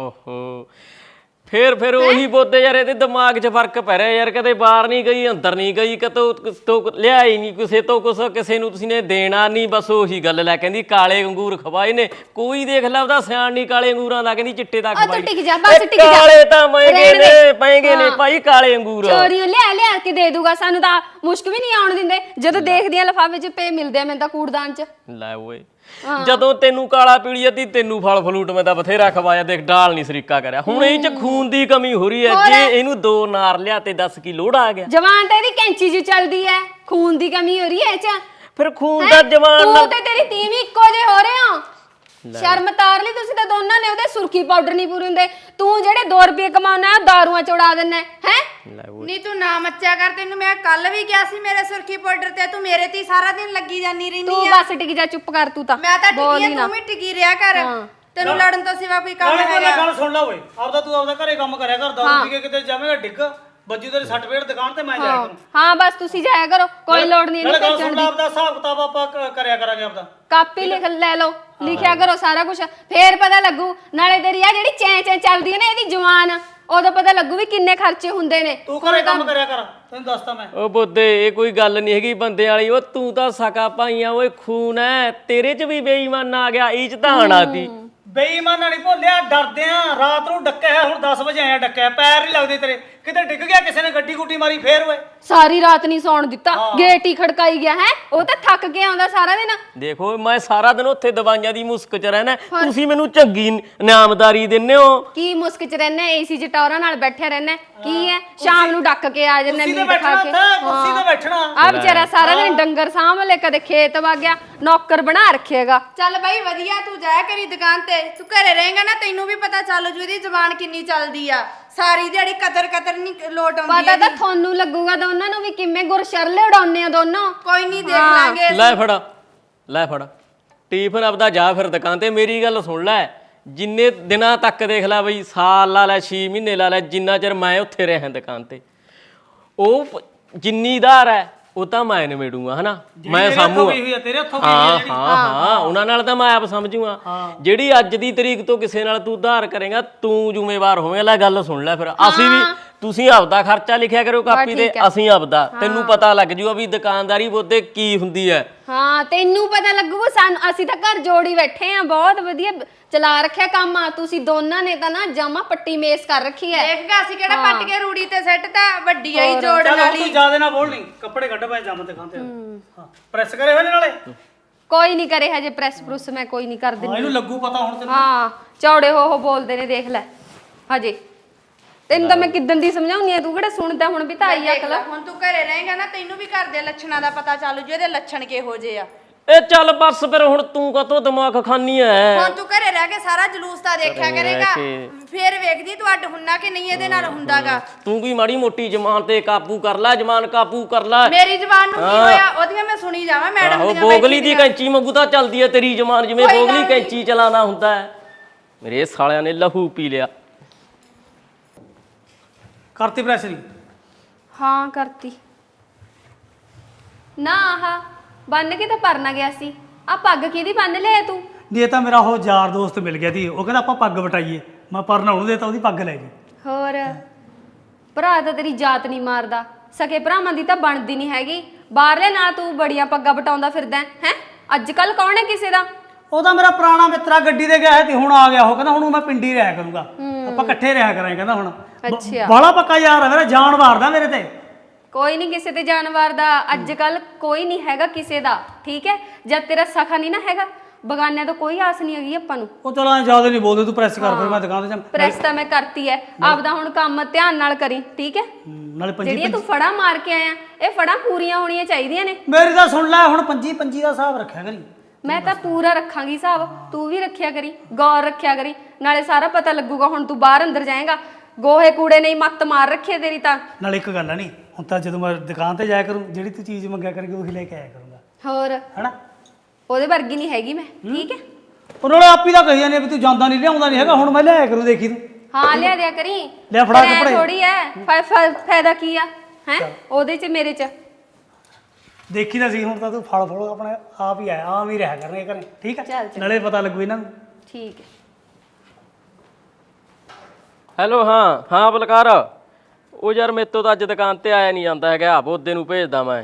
ਓਹੋ ਫੇਰ ਫਿਰ ਉਹੀ ਬੋਦੇ ਯਾਰ, ਇਹਦੇ ਦਿਮਾਗ 'ਚ ਫਰਕ ਪੈ ਰਿਹਾ ਯਾਰ। ਕਦੇ ਬਾਹਰ ਨਹੀਂ ਗਈ, ਅੰਦਰ ਨਹੀਂ ਗਈ, ਕਿਤੋਂ ਤੋਂ ਲਿਆ ਹੀ ਨਹੀਂ ਕਿਸੇ ਤੋਂ ਕੁਛ, ਕਿਸੇ ਨੂੰ ਤੁਸੀਂ ਨੇ ਦੇਣਾ ਨਹੀਂ, ਬਸ ਉਹੀ ਗੱਲ ਲੈ। ਕਹਿੰਦੀ ਕਾਲੇ ਅੰਗੂਰ ਖਵਾਏ ਨੇ, ਕੋਈ ਦੇਖ ਲਾ ਉਹਦਾ ਸਿਆਣ ਨਹੀਂ ਕਾਲੇ ਅੰਗੂਰਾਂ ਦਾ, ਕਹਿੰਦੀ ਚਿੱਟੇ ਦਾ
ਉਹ ਤੂੰ
ਖਵਾਈ।
ਟਿਕ ਜਾ, ਬਸ ਟਿਕ ਜਾ।
ਕਾਲੇ ਤਾਂ ਮਹਿੰਗੇ
ਰਹਿਣ ਦੇ।
ਨੇ, ਮਹਿੰਗੇ ਨੇ ਭਾਈ ਕਾਲੇ ਅੰਗੂਰ।
ਚੋਰੀਆਂ ਲਿਆ ਲਿਆ ਕੇ ਦੇ ਦੂਗਾ, ਸਾਨੂੰ ਤਾਂ ਮੁਸ਼ਕ ਵੀ ਨਹੀਂ ਆਉਣ ਦਿੰਦੇ। ਜਦੋਂ ਦੇਖਦੀਆਂ ਲਿਫਾਫੇ 'ਚ ਪੇ ਮਿਲਦੇ ਆ ਮੈਨੂੰ ਤਾਂ ਕੂੜਦਾਨ 'ਚ।
ਲੈ ਓਏ ਜਦੋਂ ਤੈਨੂੰ ਕਾਲਾ ਪੀਲੀ ਅੱਧੀ, ਤੈਨੂੰ ਫਲ ਫਲੂਟ ਮੈਂ ਤਾਂ ਬਥੇਰਾ ਖਵਾਇਆ, ਦੇਖ ਡਾਲ ਨਹੀਂ ਸਰੀਕਾ ਕਰਿਆ। ਹੁਣ ਇਹ 'ਚ ਖੂਨ ਦੀ ਕਮੀ ਹੋ ਰਹੀ ਹੈ, ਜੇ ਇਹਨੂੰ ਦੋ ਨਾਰ ਲਿਆ ਤੇ ਦੱਸ ਕੀ ਲੋੜ ਆ ਗਿਆ।
ਜਵਾਨ ਤਾਂ ਇਹਦੀ ਕੈਂਚੀ 'ਚ ਚੱਲਦੀ ਐ, ਖੂਨ ਦੀ ਕਮੀ ਹੋ ਰਹੀ ਐ ਇਹ 'ਚ।
ਫਿਰ ਖੂਨ ਦਾ ਜਵਾਨ
ਤੂੰ ਤੇ ਤੇਰੀ ਤੀਵੀਂ ਇੱਕੋ ਜਿਹੇ ਹੋ ਰਹੇ ਹੋ। ਸ਼ਰਮ ਤਾਰ ਲਈ ਤੁਸੀਂ ਤਾਂ ਦੋਨਾਂ ਨੇ। ਉਹਦੇ ਸੁਰਖੀ ਪਾਊਡਰ ਨਹੀਂ ਪੂਰੇ ਹੁੰਦੇ, ਤੂੰ ਜਿਹੜੇ ਦੋ ਰੁਪਏ ਕਮਾਉਣਾ ਉਹ ਦਾਰੂਆਂ ਚ ਉਡਾ ਦਿੰਨਾ ਹੈ।
ਨਹੀਂ ਤੂੰ ਨਾ ਮੱਚਿਆ ਕਰ, ਤੈਨੂੰ ਮੈਂ ਕੱਲ ਵੀ ਕਿਹਾ ਸੀ ਮੇਰੇ ਸੁਰਖੀ ਪਾਊਡਰ ਤੇ, ਤੂੰ ਮੇਰੇ ਤੇ ਹੀ ਸਾਰਾ ਦਿਨ ਲੱਗੀ ਜਾਂਦੀ ਰਹਿੰਦੀ
ਤੂੰ
ਆ।
ਬਸ ਟਿਕ ਜਾ, ਚੁੱਪ ਕਰ ਤੂੰ ਤਾਂ।
ਮੈਂ ਤਾਂ
ਬੋਲ
ਟਿਕੀ
ਹੀ
ਆ,
ਨਾ।
ਤੂੰ ਵੀ ਟਿਕੀ ਰਿਹਾ ਕਰ। ਤੈਨੂੰ ਲੜਨ ਤੋਂ ਸਿਵਾ ਕੋਈ ਕੰਮ
ਨਾਲੇ
ਹੈਗਾ?
ਗੱਲ ਸੁਣ ਲੈ ਓਏ, ਆਪਦਾ ਤੂੰ ਆਪਦਾ ਘਰੇ ਕੰਮ ਕਰਿਆ ਕਰ। ਦਾਰੂ ਪੀ ਕੇ ਕਿਤੇ ਜਾਵੇਂਗਾ ਡਿੱਗ ਬੱਜੂ ਤੇਰੀ ਸੱਟ ਫੇੜ ਦੁਕਾਨ ਤੇ ਮੈਂ ਜਾਇਆ ਕਰੂੰ।
ਹਾਂ ਬਸ ਤੁਸੀਂ ਜਾਇਆ ਕਰੋ, ਕੋਈ ਲੋੜ ਨਹੀਂ
ਨਾਲੇ
ਇਹਨੂੰ
ਗੱਲ
ਭੇਜਣ
ਸੁਣ ਲੈ,
ਦੀ।
ਆਪਦਾ ਹਿਸਾਬ ਕਿਤਾਬ ਆਪਾਂ ਕ- ਕਰਿਆ ਕਰਾਂਗੇ ਆਪਦਾ।
ਕਾਪੀ ਲਿਖ ਲੈ ਲਓ, ਲਿਖਿਆ ਕਰੋ ਸਾਰਾ ਕੁਝ, ਫੇਰ ਪਤਾ ਲੱਗੂ। ਨਾਲੇ ਤੇਰੀ ਆ ਜਿਹੜੀ ਚੈਂ ਚੈਂ ਚੱਲਦੀ ਹੈ ਨਾ ਇਹਦੀ ਜਵਾਨ, ਉਦੋਂ ਪਤਾ ਲੱਗੂ ਵੀ ਕਿੰਨੇ ਖਰਚੇ ਹੁੰਦੇ ਨੇ।
ਤੂੰ ਘਰੇ ਕੰਮ ਕਰਿਆ ਕਰ, ਤੈਨੂੰ ਦੱਸਦਾ ਮੈਂ।
ਉਹ ਬੋਦੇ ਇਹ ਕੋਈ ਗੱਲ ਨਹੀਂ ਹੈਗੀ ਬੰਦੇ ਵਾਲੀ। ਉਹ ਤੂੰ ਤਾਂ ਸਕਾ ਭਾਈਆਂ, ਓਏ ਖੂਨ ਐ ਤੇਰੇ 'ਚ ਵੀ ਬੇਈਮਾਨ ਆ ਗਿਆ, ਇਹ 'ਚ ਤਾਂ ਆਣਾਤੀ।
ਬੇਈਮਾਨਾਂ ਨਹੀਂ ਭੋਲਿਆ, ਡਰਦੇ ਆ। ਰਾਤ ਨੂੰ ਡੱਕਿਆ ਹੈ, ਹੁਣ ਦਸ ਵਜੇ ਆਇਆ ਡੱਕਿਆ, ਪੈਰ ਨਹੀਂ ਲੱਗਦੇ ਤੇਰੇ। ਕਿਤੇ ਡਿੱਗ ਗਿਆ ਕਿਸੇ ਨੇ, ਗੱਡੀ ਗੁੱਡੀ ਮਾਰੀ ਫੇਰ ਓਏ।
ਸਾਰੀ ਰਾਤ ਨਹੀਂ ਸੌਣ ਦਿੱਤਾ, ਗੇਟ ਹੀ ਖੜਕਾਈ ਗਿਆ ਹੈ। ਉਹ ਤਾਂ ਥੱਕ ਕੇ ਆਉਂਦਾ ਸਾਰਾ ਦਿਨ।
ਦੇਖੋ ਮੈਂ ਸਾਰਾ ਦਿਨ ਉੱਥੇ ਦਵਾਈਆਂ ਦੀ ਮੁਸਕ 'ਚ ਰਹਿਣਾ, ਤੁਸੀਂ ਮੈਨੂੰ ਚੰਗੀ ਨਿਆਮਦਾਰੀ ਦਿੰਦੇ ਹੋ।
ਕੀ ਮੁਸਕ 'ਚ ਰਹਿਣਾ, ਏਸੀ 'ਚ ਟੌਰਾਂ ਨਾਲ ਬੈਠੇ ਰਹਿਣਾ, ਕੀ ਹੈ? ਸ਼ਾਮ ਨੂੰ ਡੱਕ ਕੇ ਆ ਜਾਂਦਾ
ਕੁਰਸੀ ਤੇ
ਮੀਟ ਖਾ
ਬੈਠਣਾ
ਕੇ।
ਉੱਥੇ, ਕੁਰਸੀ ਤੇ ਬੈਠਣਾ।
ਆ ਵਿਚਾਰਾ ਸਾਰਾ ਦਿਨ ਡੰਗਰ ਸਾਂਭ ਲੈ, ਕਦੇ ਖੇਤ ਵਗ ਗਿਆ, ਨੌਕਰ ਬਣਾ ਰੱਖੇਗਾ।
ਚੱਲ ਬਾਈ ਵਧੀਆ, ਤੂੰ ਜਾਇਆ ਕਰੀ ਦੁਕਾਨ ਤੇ। ਤੂੰ ਘਰੇ ਰਹੇਗਾ ਨਾ, ਤੈਨੂੰ ਵੀ ਪਤਾ ਚੱਲ ਜੂ ਇਹਦੀ ਜ਼ਬਾਨ ਕਿੰਨੀ ਚੱਲਦੀ ਆ। ਸਾਰੀ ਦਿਹਾੜੀ ਕਦਰ ਕਦਰ ਨਹੀਂ ਲੋਟ ਆਉਂਦੀ
ਪਤਾ
ਇਹਦੀ।
ਤਾਂ ਤੁਹਾਨੂੰ ਲੱਗੂਗਾ ਦੋਨਾਂ ਨੂੰ ਵੀ ਕਿਵੇਂ ਗੁਰਸ਼ਰਲੇ ਉਡਾਉਂਦੇ ਆ ਦੋਨੋਂ।
ਕੋਈ ਨਹੀਂ, ਦੇਖ ਲਾਂਗੇ।
ਲੈ ਫੜ ਲੈ ਫੜ ਟੀਫਨ ਆਪਦਾ ਜਾ ਫਿਰ ਦੁਕਾਨ ਤੇ। ਮੇਰੀ ਗੱਲ ਸੁਣ ਲੈ, ਜਿੰਨੇ ਦਿਨਾਂ ਤੱਕ ਦੇਖ ਲੈ ਬਈ, ਸਾਲ ਲਾ ਲੈ, ਛੇ ਮਹੀਨੇ ਲਾ ਲੈ, ਜਿੰਨਾ ਚਿਰ ਮੈਂ ਉੱਥੇ ਰਿਹਾ ਦੁਕਾਨ ਤੇ, ਉਹ ਪ- ਜਿੰਨੀ ਉਧਾਰ ਹੈ ਉਹ ਤਾਂ ਮੈਂ ਨਿਬੇੜੂਗਾ ਹਨਾ, ਮੈਂ ਸਾਂਭੂਗਾ।
ਤੇਰੇ ਹੱਥੋਂ
ਹਾਂ ਹਾਂ ਹਾਂ ਉਹਨਾਂ ਨਾਲ ਤਾਂ ਮੈਂ ਆਪ ਸਮਝੂਗਾ। ਜਿਹੜੀ ਅੱਜ ਦੀ ਤਰੀਕ ਤੋਂ ਕਿਸੇ ਨਾਲ ਤੂੰ ਉਧਾਰ ਕਰੇਗਾ, ਤੂੰ ਜ਼ਿੰਮੇਵਾਰ ਹੋਵੇਂਗਾ। ਲੈ ਗੱਲ ਸੁਣ ਲੈ ਫਿਰ, ਅਸੀਂ ਵੀ, ਤੁਸੀਂ ਆਪਦਾ ਖਰਚਾ ਲਿਖਿਆ ਕਰੋ ਕਾਪੀ ਤੇ, ਅਸੀਂ ਆਪਦਾ। ਤੈਨੂੰ ਪਤਾ ਲੱਗ ਜੂਗਾ ਵੀ ਦੁਕਾਨਦਾਰੀ ਬੋਤੇ ਕੀ ਹੁੰਦੀ ਹੈ।
ਹਾਂ ਤੈਨੂੰ ਪਤਾ ਲੱਗੂਗਾ, ਸਾਨੂੰ ਅਸੀਂ ਤਾਂ ਘਰ ਜੋੜੀ ਬੈਠੇ ਆ, ਬਹੁਤ ਵਧੀਆ ਚਲਾ ਰੱਖਿਆ ਕੰਮ ਆ। ਤੁਸੀਂ ਦੋਨਾਂ ਨੇ ਤਾਂ ਨਾ ਜਾਮਾ ਪੱਟੀ ਮੇਸ ਕਰ ਰੱਖੀ ਹੈ।
ਦੇਖਗਾ ਅਸੀਂ ਕਿਹੜਾ ਪੱਟ ਕੇ ਰੂੜੀ ਤੇ ਸੈੱਟ ਤਾਂ ਵੱਡੀ ਆਈ ਜੋੜਨ
ਚੱਲ
ਵਾਲੀ।
ਤੂੰ ਜ਼ਿਆਦਾ ਨਾ ਬੋਲ, ਨਹੀਂ ਕੱਪੜੇ ਕੱਢ ਪਏ ਜੰਮ ਤੇ ਖਾਂਦੇ ਹਾਂ ਪ੍ਰੈਸ ਕਰੇ ਹੋਏ ਨੇ ਨਾਲੇ।
ਕੋਈ ਨਹੀਂ ਕਰੇ ਹਜੇ ਪ੍ਰੈਸ ਪ੍ਰੂਸ, ਮੈਂ ਕੋਈ ਨਹੀਂ ਕਰ
ਹਾਂ
ਦਿੰਦੀ।
ਇਹਨੂੰ ਲੱਗੂ ਪਤਾ ਹੁਣ ਤੈਨੂੰ।
ਹਾਂ ਚੌੜੇ ਹੋ ਹੋ ਬੋਲਦੇ ਨੇ, ਦੇਖ ਲੈ ਹਜੇ। ਤੈਨੂੰ ਤਾਂ ਮੈਂ ਕਿੱਦਣ ਦੀ ਸਮਝਾਉਣੀ ਆ, ਤੂੰ ਕਿਹੜਾ ਸੁਣਦਾ? ਹੁਣ ਵੀ ਤਾਂ ਆਈ
ਦੇਖ
ਅਕਲ।
ਲੈ, ਹੁਣ ਤੂੰ ਘਰੇ ਰਹੇਗਾ ਨਾ, ਤੈਨੂੰ ਵੀ ਘਰ ਦੇ ਲੱਛਣਾਂ ਦਾ ਪਤਾ ਚੱਲ ਜੂ, ਇਹਦੇ ਲੱਛਣ ਕਿਹੋ ਜਿਹੇ ਆ।
ਇਹ ਚੱਲ ਬਸ ਫਿਰ, ਹੁਣ ਤੂੰ ਕਾਹਤੋਂ ਦਿਮਾਗ ਖਾਨੀ ਐ?
ਹੁਣ ਤੂੰ ਘਰੇ ਰਹਿ ਕੇ ਸਾਰਾ ਜਲੂਸ ਤਾਂ ਦੇਖਿਆ ਕਰੇਗਾ,
ਕੇ।
ਫੇਰ ਵੇਖਦੀ ਤੂੰ ਅੱਡ ਹੁੰਨਾ ਕਿ ਨਹੀਂ ਇਹਦੇ ਨਾਲ ਹੁੰਦਾਗਾ।
ਤੂੰ ਵੀ ਮਾੜੀ ਮੋਟੀ ਜ਼ਮਾਨ ਤੇ ਕਾਬੂ ਕਰ ਲੈ, ਜ਼ਮਾਨ ਕਾਬੂ ਕਰ ਲੈ।
ਮੇਰੀ ਜ਼ਬਾਨ ਨੂੰ ਕੀ ਹੋਇਆ? ਉਹਦੀਆਂ ਮੈਂ ਸੁਣੀ ਜਾਵਾਂ ਮੈਡਮ
ਆਹੋ
ਦੀਆਂ
ਬੋਗਲੀ ਦੀ
ਬੈਠੀਆਂ।
ਕੈਂਚੀ ਵਾਂਗੂ ਤਾਂ ਚੱਲਦੀ ਐ ਤੇਰੀ ਜ਼ਮਾਨ, ਜਿਵੇਂ
ਕੋਈ ਗੱਲ
ਬੋਗਲੀ
ਨੀ।
ਕੈਂਚੀ ਚਲਾਣਾ ਹੁੰਦਾ ਹੈ। ਮੇਰੇ ਸਾਲਿਆਂ ਨੇ ਲਹੂ ਪੀ ਲਿਆ।
ਕਰਤੀ ਪ੍ਰੈਸ ਨਹੀਂ?
ਹਾਂ ਕਰਤੀ ਨਾ। ਆਹ ਬੰਨ ਕੇ ਤਾਂ ਪਰਨਾ ਗਿਆ ਸੀ। ਆ ਪੱਗ ਕਿਹਦੀ ਬੰਨ ਲਿਆ ਤੂੰ?
ਨਹੀਂ ਇਹ ਤਾਂ ਮੇਰਾ ਉਹ ਯਾਰ ਦੋਸਤ ਮਿਲ ਗਿਆ ਸੀ, ਉਹ ਕਹਿੰਦਾ ਆਪਾਂ ਪੱਗ ਵਟਾਈਏ। ਮੈਂ ਪਰਨਾ ਉਹਨੂੰ ਦੇਤਾ, ਉਹਦੀ ਪੱਗ ਲੈ ਗਈ।
ਹੋਰ ਭਰਾ ਤਾਂ ਤੇਰੀ ਜਾਤ ਨਹੀਂ ਮਾਰਦਾ, ਸਕੇ ਭਰਾਵਾਂ ਦੀ ਤਾਂ ਬਣਦੀ ਨਹੀਂ ਹੈਗੀ। ਬਾਹਰਲੇ ਨਾਲ ਤੂੰ ਬੜੀਆਂ ਪੱਗਾਂ ਵਟਾਉਂਦਾ ਫਿਰਦਾ ਹੈ। ਅੱਜ ਕੱਲ ਕੌਣ ਹੈ ਕਿਸੇ ਦਾ?
ਉਹ ਤਾਂ ਮੇਰਾ ਪੁਰਾਣਾ ਮਿੱਤਰਾ ਗੱਡੀ ਤੇ ਗਿਆ ਸੀ ਤੇ ਹੁਣ ਆ ਗਿਆ। ਉਹ ਕਹਿੰਦਾ ਹੁਣ ਮੈਂ ਪਿੰਡੀ ਰਿਹਾ ਕਰੂੰਗਾ, ਆਪਾਂ ਇਕੱਠੇ ਰਿਹਾ ਕਰਾਂਗੇ। ਕਹਿੰਦਾ ਹੁਣ
ਅੱਛਾ।
ਬਾਲਾ ਪੱਕਾ ਯਾਰ ਹੈ ਮੇਰਾ, ਜਾਨ ਮਾਰਦਾ ਮੇਰੇ ਤੇ।
ਕੋਈ ਨਹੀਂ ਕਿਸੇ ਤੇ ਜਾਨਵਰ ਦਾ, ਅੱਜ ਕੱਲ ਕੋਈ ਨਹੀਂ ਹੈਗਾ ਕਿਸੇ ਦਾ, ਠੀਕ ਹੈ? ਜਦ ਤੇਰਾ ਸਖਾ ਨਹੀਂ ਨਾ ਹੈਗਾ, ਬਗਾਨਿਆਂ ਤੋਂ ਕੋਈ ਆਸ ਨਹੀਂ ਹੈਗੀ ਆਪਾਂ ਨੂੰ।
ਉਹ ਚਲ ਐ ਜ਼ਿਆਦਾ ਨਹੀਂ ਬੋਲਦੇ, ਤੂੰ ਪ੍ਰੈਸ ਕਰ ਫਿਰ ਮੈਂ ਦੁਕਾਨ ਤੇ ਜਾ।
ਪ੍ਰੈਸ ਤਾਂ ਮੈਂ ਕਰਤੀ ਹੈ, ਆਪਦਾ ਹੁਣ ਕੰਮ ਧਿਆਨ ਨਾਲ ਕਰੀ, ਠੀਕ ਹੈ?
ਨਾਲੇ ਪੰਜੀ
ਜਿਹੜੀਆਂ ਤੂੰ ਫੜਾ ਮਾਰ ਕੇ ਆਇਆ, ਇਹ ਫੜਾ ਪੂਰੀਆਂ ਹੋਣੀਆਂ ਚਾਹੀਦੀਆਂ ਨੇ।
ਮੇਰੀ ਤਾਂ ਸੁਣ ਲੈ, ਹੁਣ ਪੰਜੀ ਪੰਜੀ ਦਾ ਹਿਸਾਬ ਰੱਖਿਆ ਕਰੀ।
ਮੈਂ ਤਾਂ ਪੂਰਾ ਰੱਖਾਂਗੀ ਹਿਸਾਬ, ਤੂੰ ਵੀ ਰੱਖਿਆ ਕਰੀ, ਗੌਰ ਰੱਖਿਆ ਕਰੀ, ਨਾਲੇ ਸਾਰਾ ਪਤਾ ਲੱਗੂਗਾ। ਹੁਣ ਤੂੰ ਬਾਹਰ ਅੰਦਰ ਜਾਏਗਾ, ਗੋਹੇ ਕੂੜੇ ਨਹੀਂ ਮੱਤ ਮਾਰ ਰੱਖੀ ਤੇਰੀ ਤਾਂ।
ਨਾਲੇ ਇੱਕ ਗੱਲ ਆ, ਨਹੀਂ ਹੁਣ ਤਾਂ ਜਦੋਂ ਮੈਂ ਦੁਕਾਨ ਤੇ ਜਾਇਆ ਕਰੂੰ, ਜਿਹੜੀ ਤੂੰ ਚੀਜ਼ ਮੰਗਿਆ ਕਰੇਗੀ ਉਹੀ ਲੈ ਕੇ ਆਇਆ ਕਰੂੰਗਾ।
ਹੋਰ
ਹੈਨਾ?
ਉਹਦੇ ਵਰਗੀ ਨਹੀਂ ਹੈਗੀ ਮੈਂ, ਠੀਕ ਹੈ?
ਉਹ ਨਾਲੇ ਆਪ ਹੀ ਤਾਂ ਕਹੀ ਜਾਂਦੇ ਵੀ ਤੂੰ ਜਾਂਦਾ ਨਹੀਂ, ਲਿਆਉਂਦਾ ਨਹੀਂ ਹੈਗਾ। ਹੁਣ ਮੈਂ ਲਿਆਇਆ ਕਰੂੰ, ਦੇਖੀ ਤੂੰ।
ਹਾਂ ਲਿਆ ਦਿਆ ਕਰੀ।
ਲਿਆ ਫੜਾ
ਫਿਰ ਐਂ
ਕੱਪੜੇ।
ਥੋੜੀ ਐ, ਫਾ- ਫਾ- ਫਾਇਦਾ ਕੀ ਆ ਹੈ ਉਹਦੇ ਚ ਮੇਰੇ ਚ?
ਦੇਖੀ ਤਾਂ ਸੀ, ਹੁਣ ਤਾਂ ਤੂੰ ਫਲ ਫੜੋ ਆਪਣੇ ਆਪ ਹੀ ਆਇਆ, ਆਮ ਹੀ ਰਿਹਾ ਕਰਨੇ ਘਰੇ, ਠੀਕ
ਚੱਲ
ਹੈ?
ਚੱਲ।
ਨਾਲੇ ਪਤਾ ਲੱਗੂ ਇਹਨਾਂ ਨੂੰ।
ਠੀਕ ਹੈ।
ਹੈਲੋ, ਹਾਂ ਹਾਂ ਬਲਕਾਰ। ਉਹ ਯਾਰ ਮੇਰੇ ਤੋਂ ਤਾਂ ਅੱਜ ਦੁਕਾਨ ਤੇ ਆਇਆ ਨਹੀਂ ਜਾਂਦਾ ਹੈਗਾ, ਬੋਦੇ ਨੂੰ ਭੇਜਦਾ ਮੈਂ।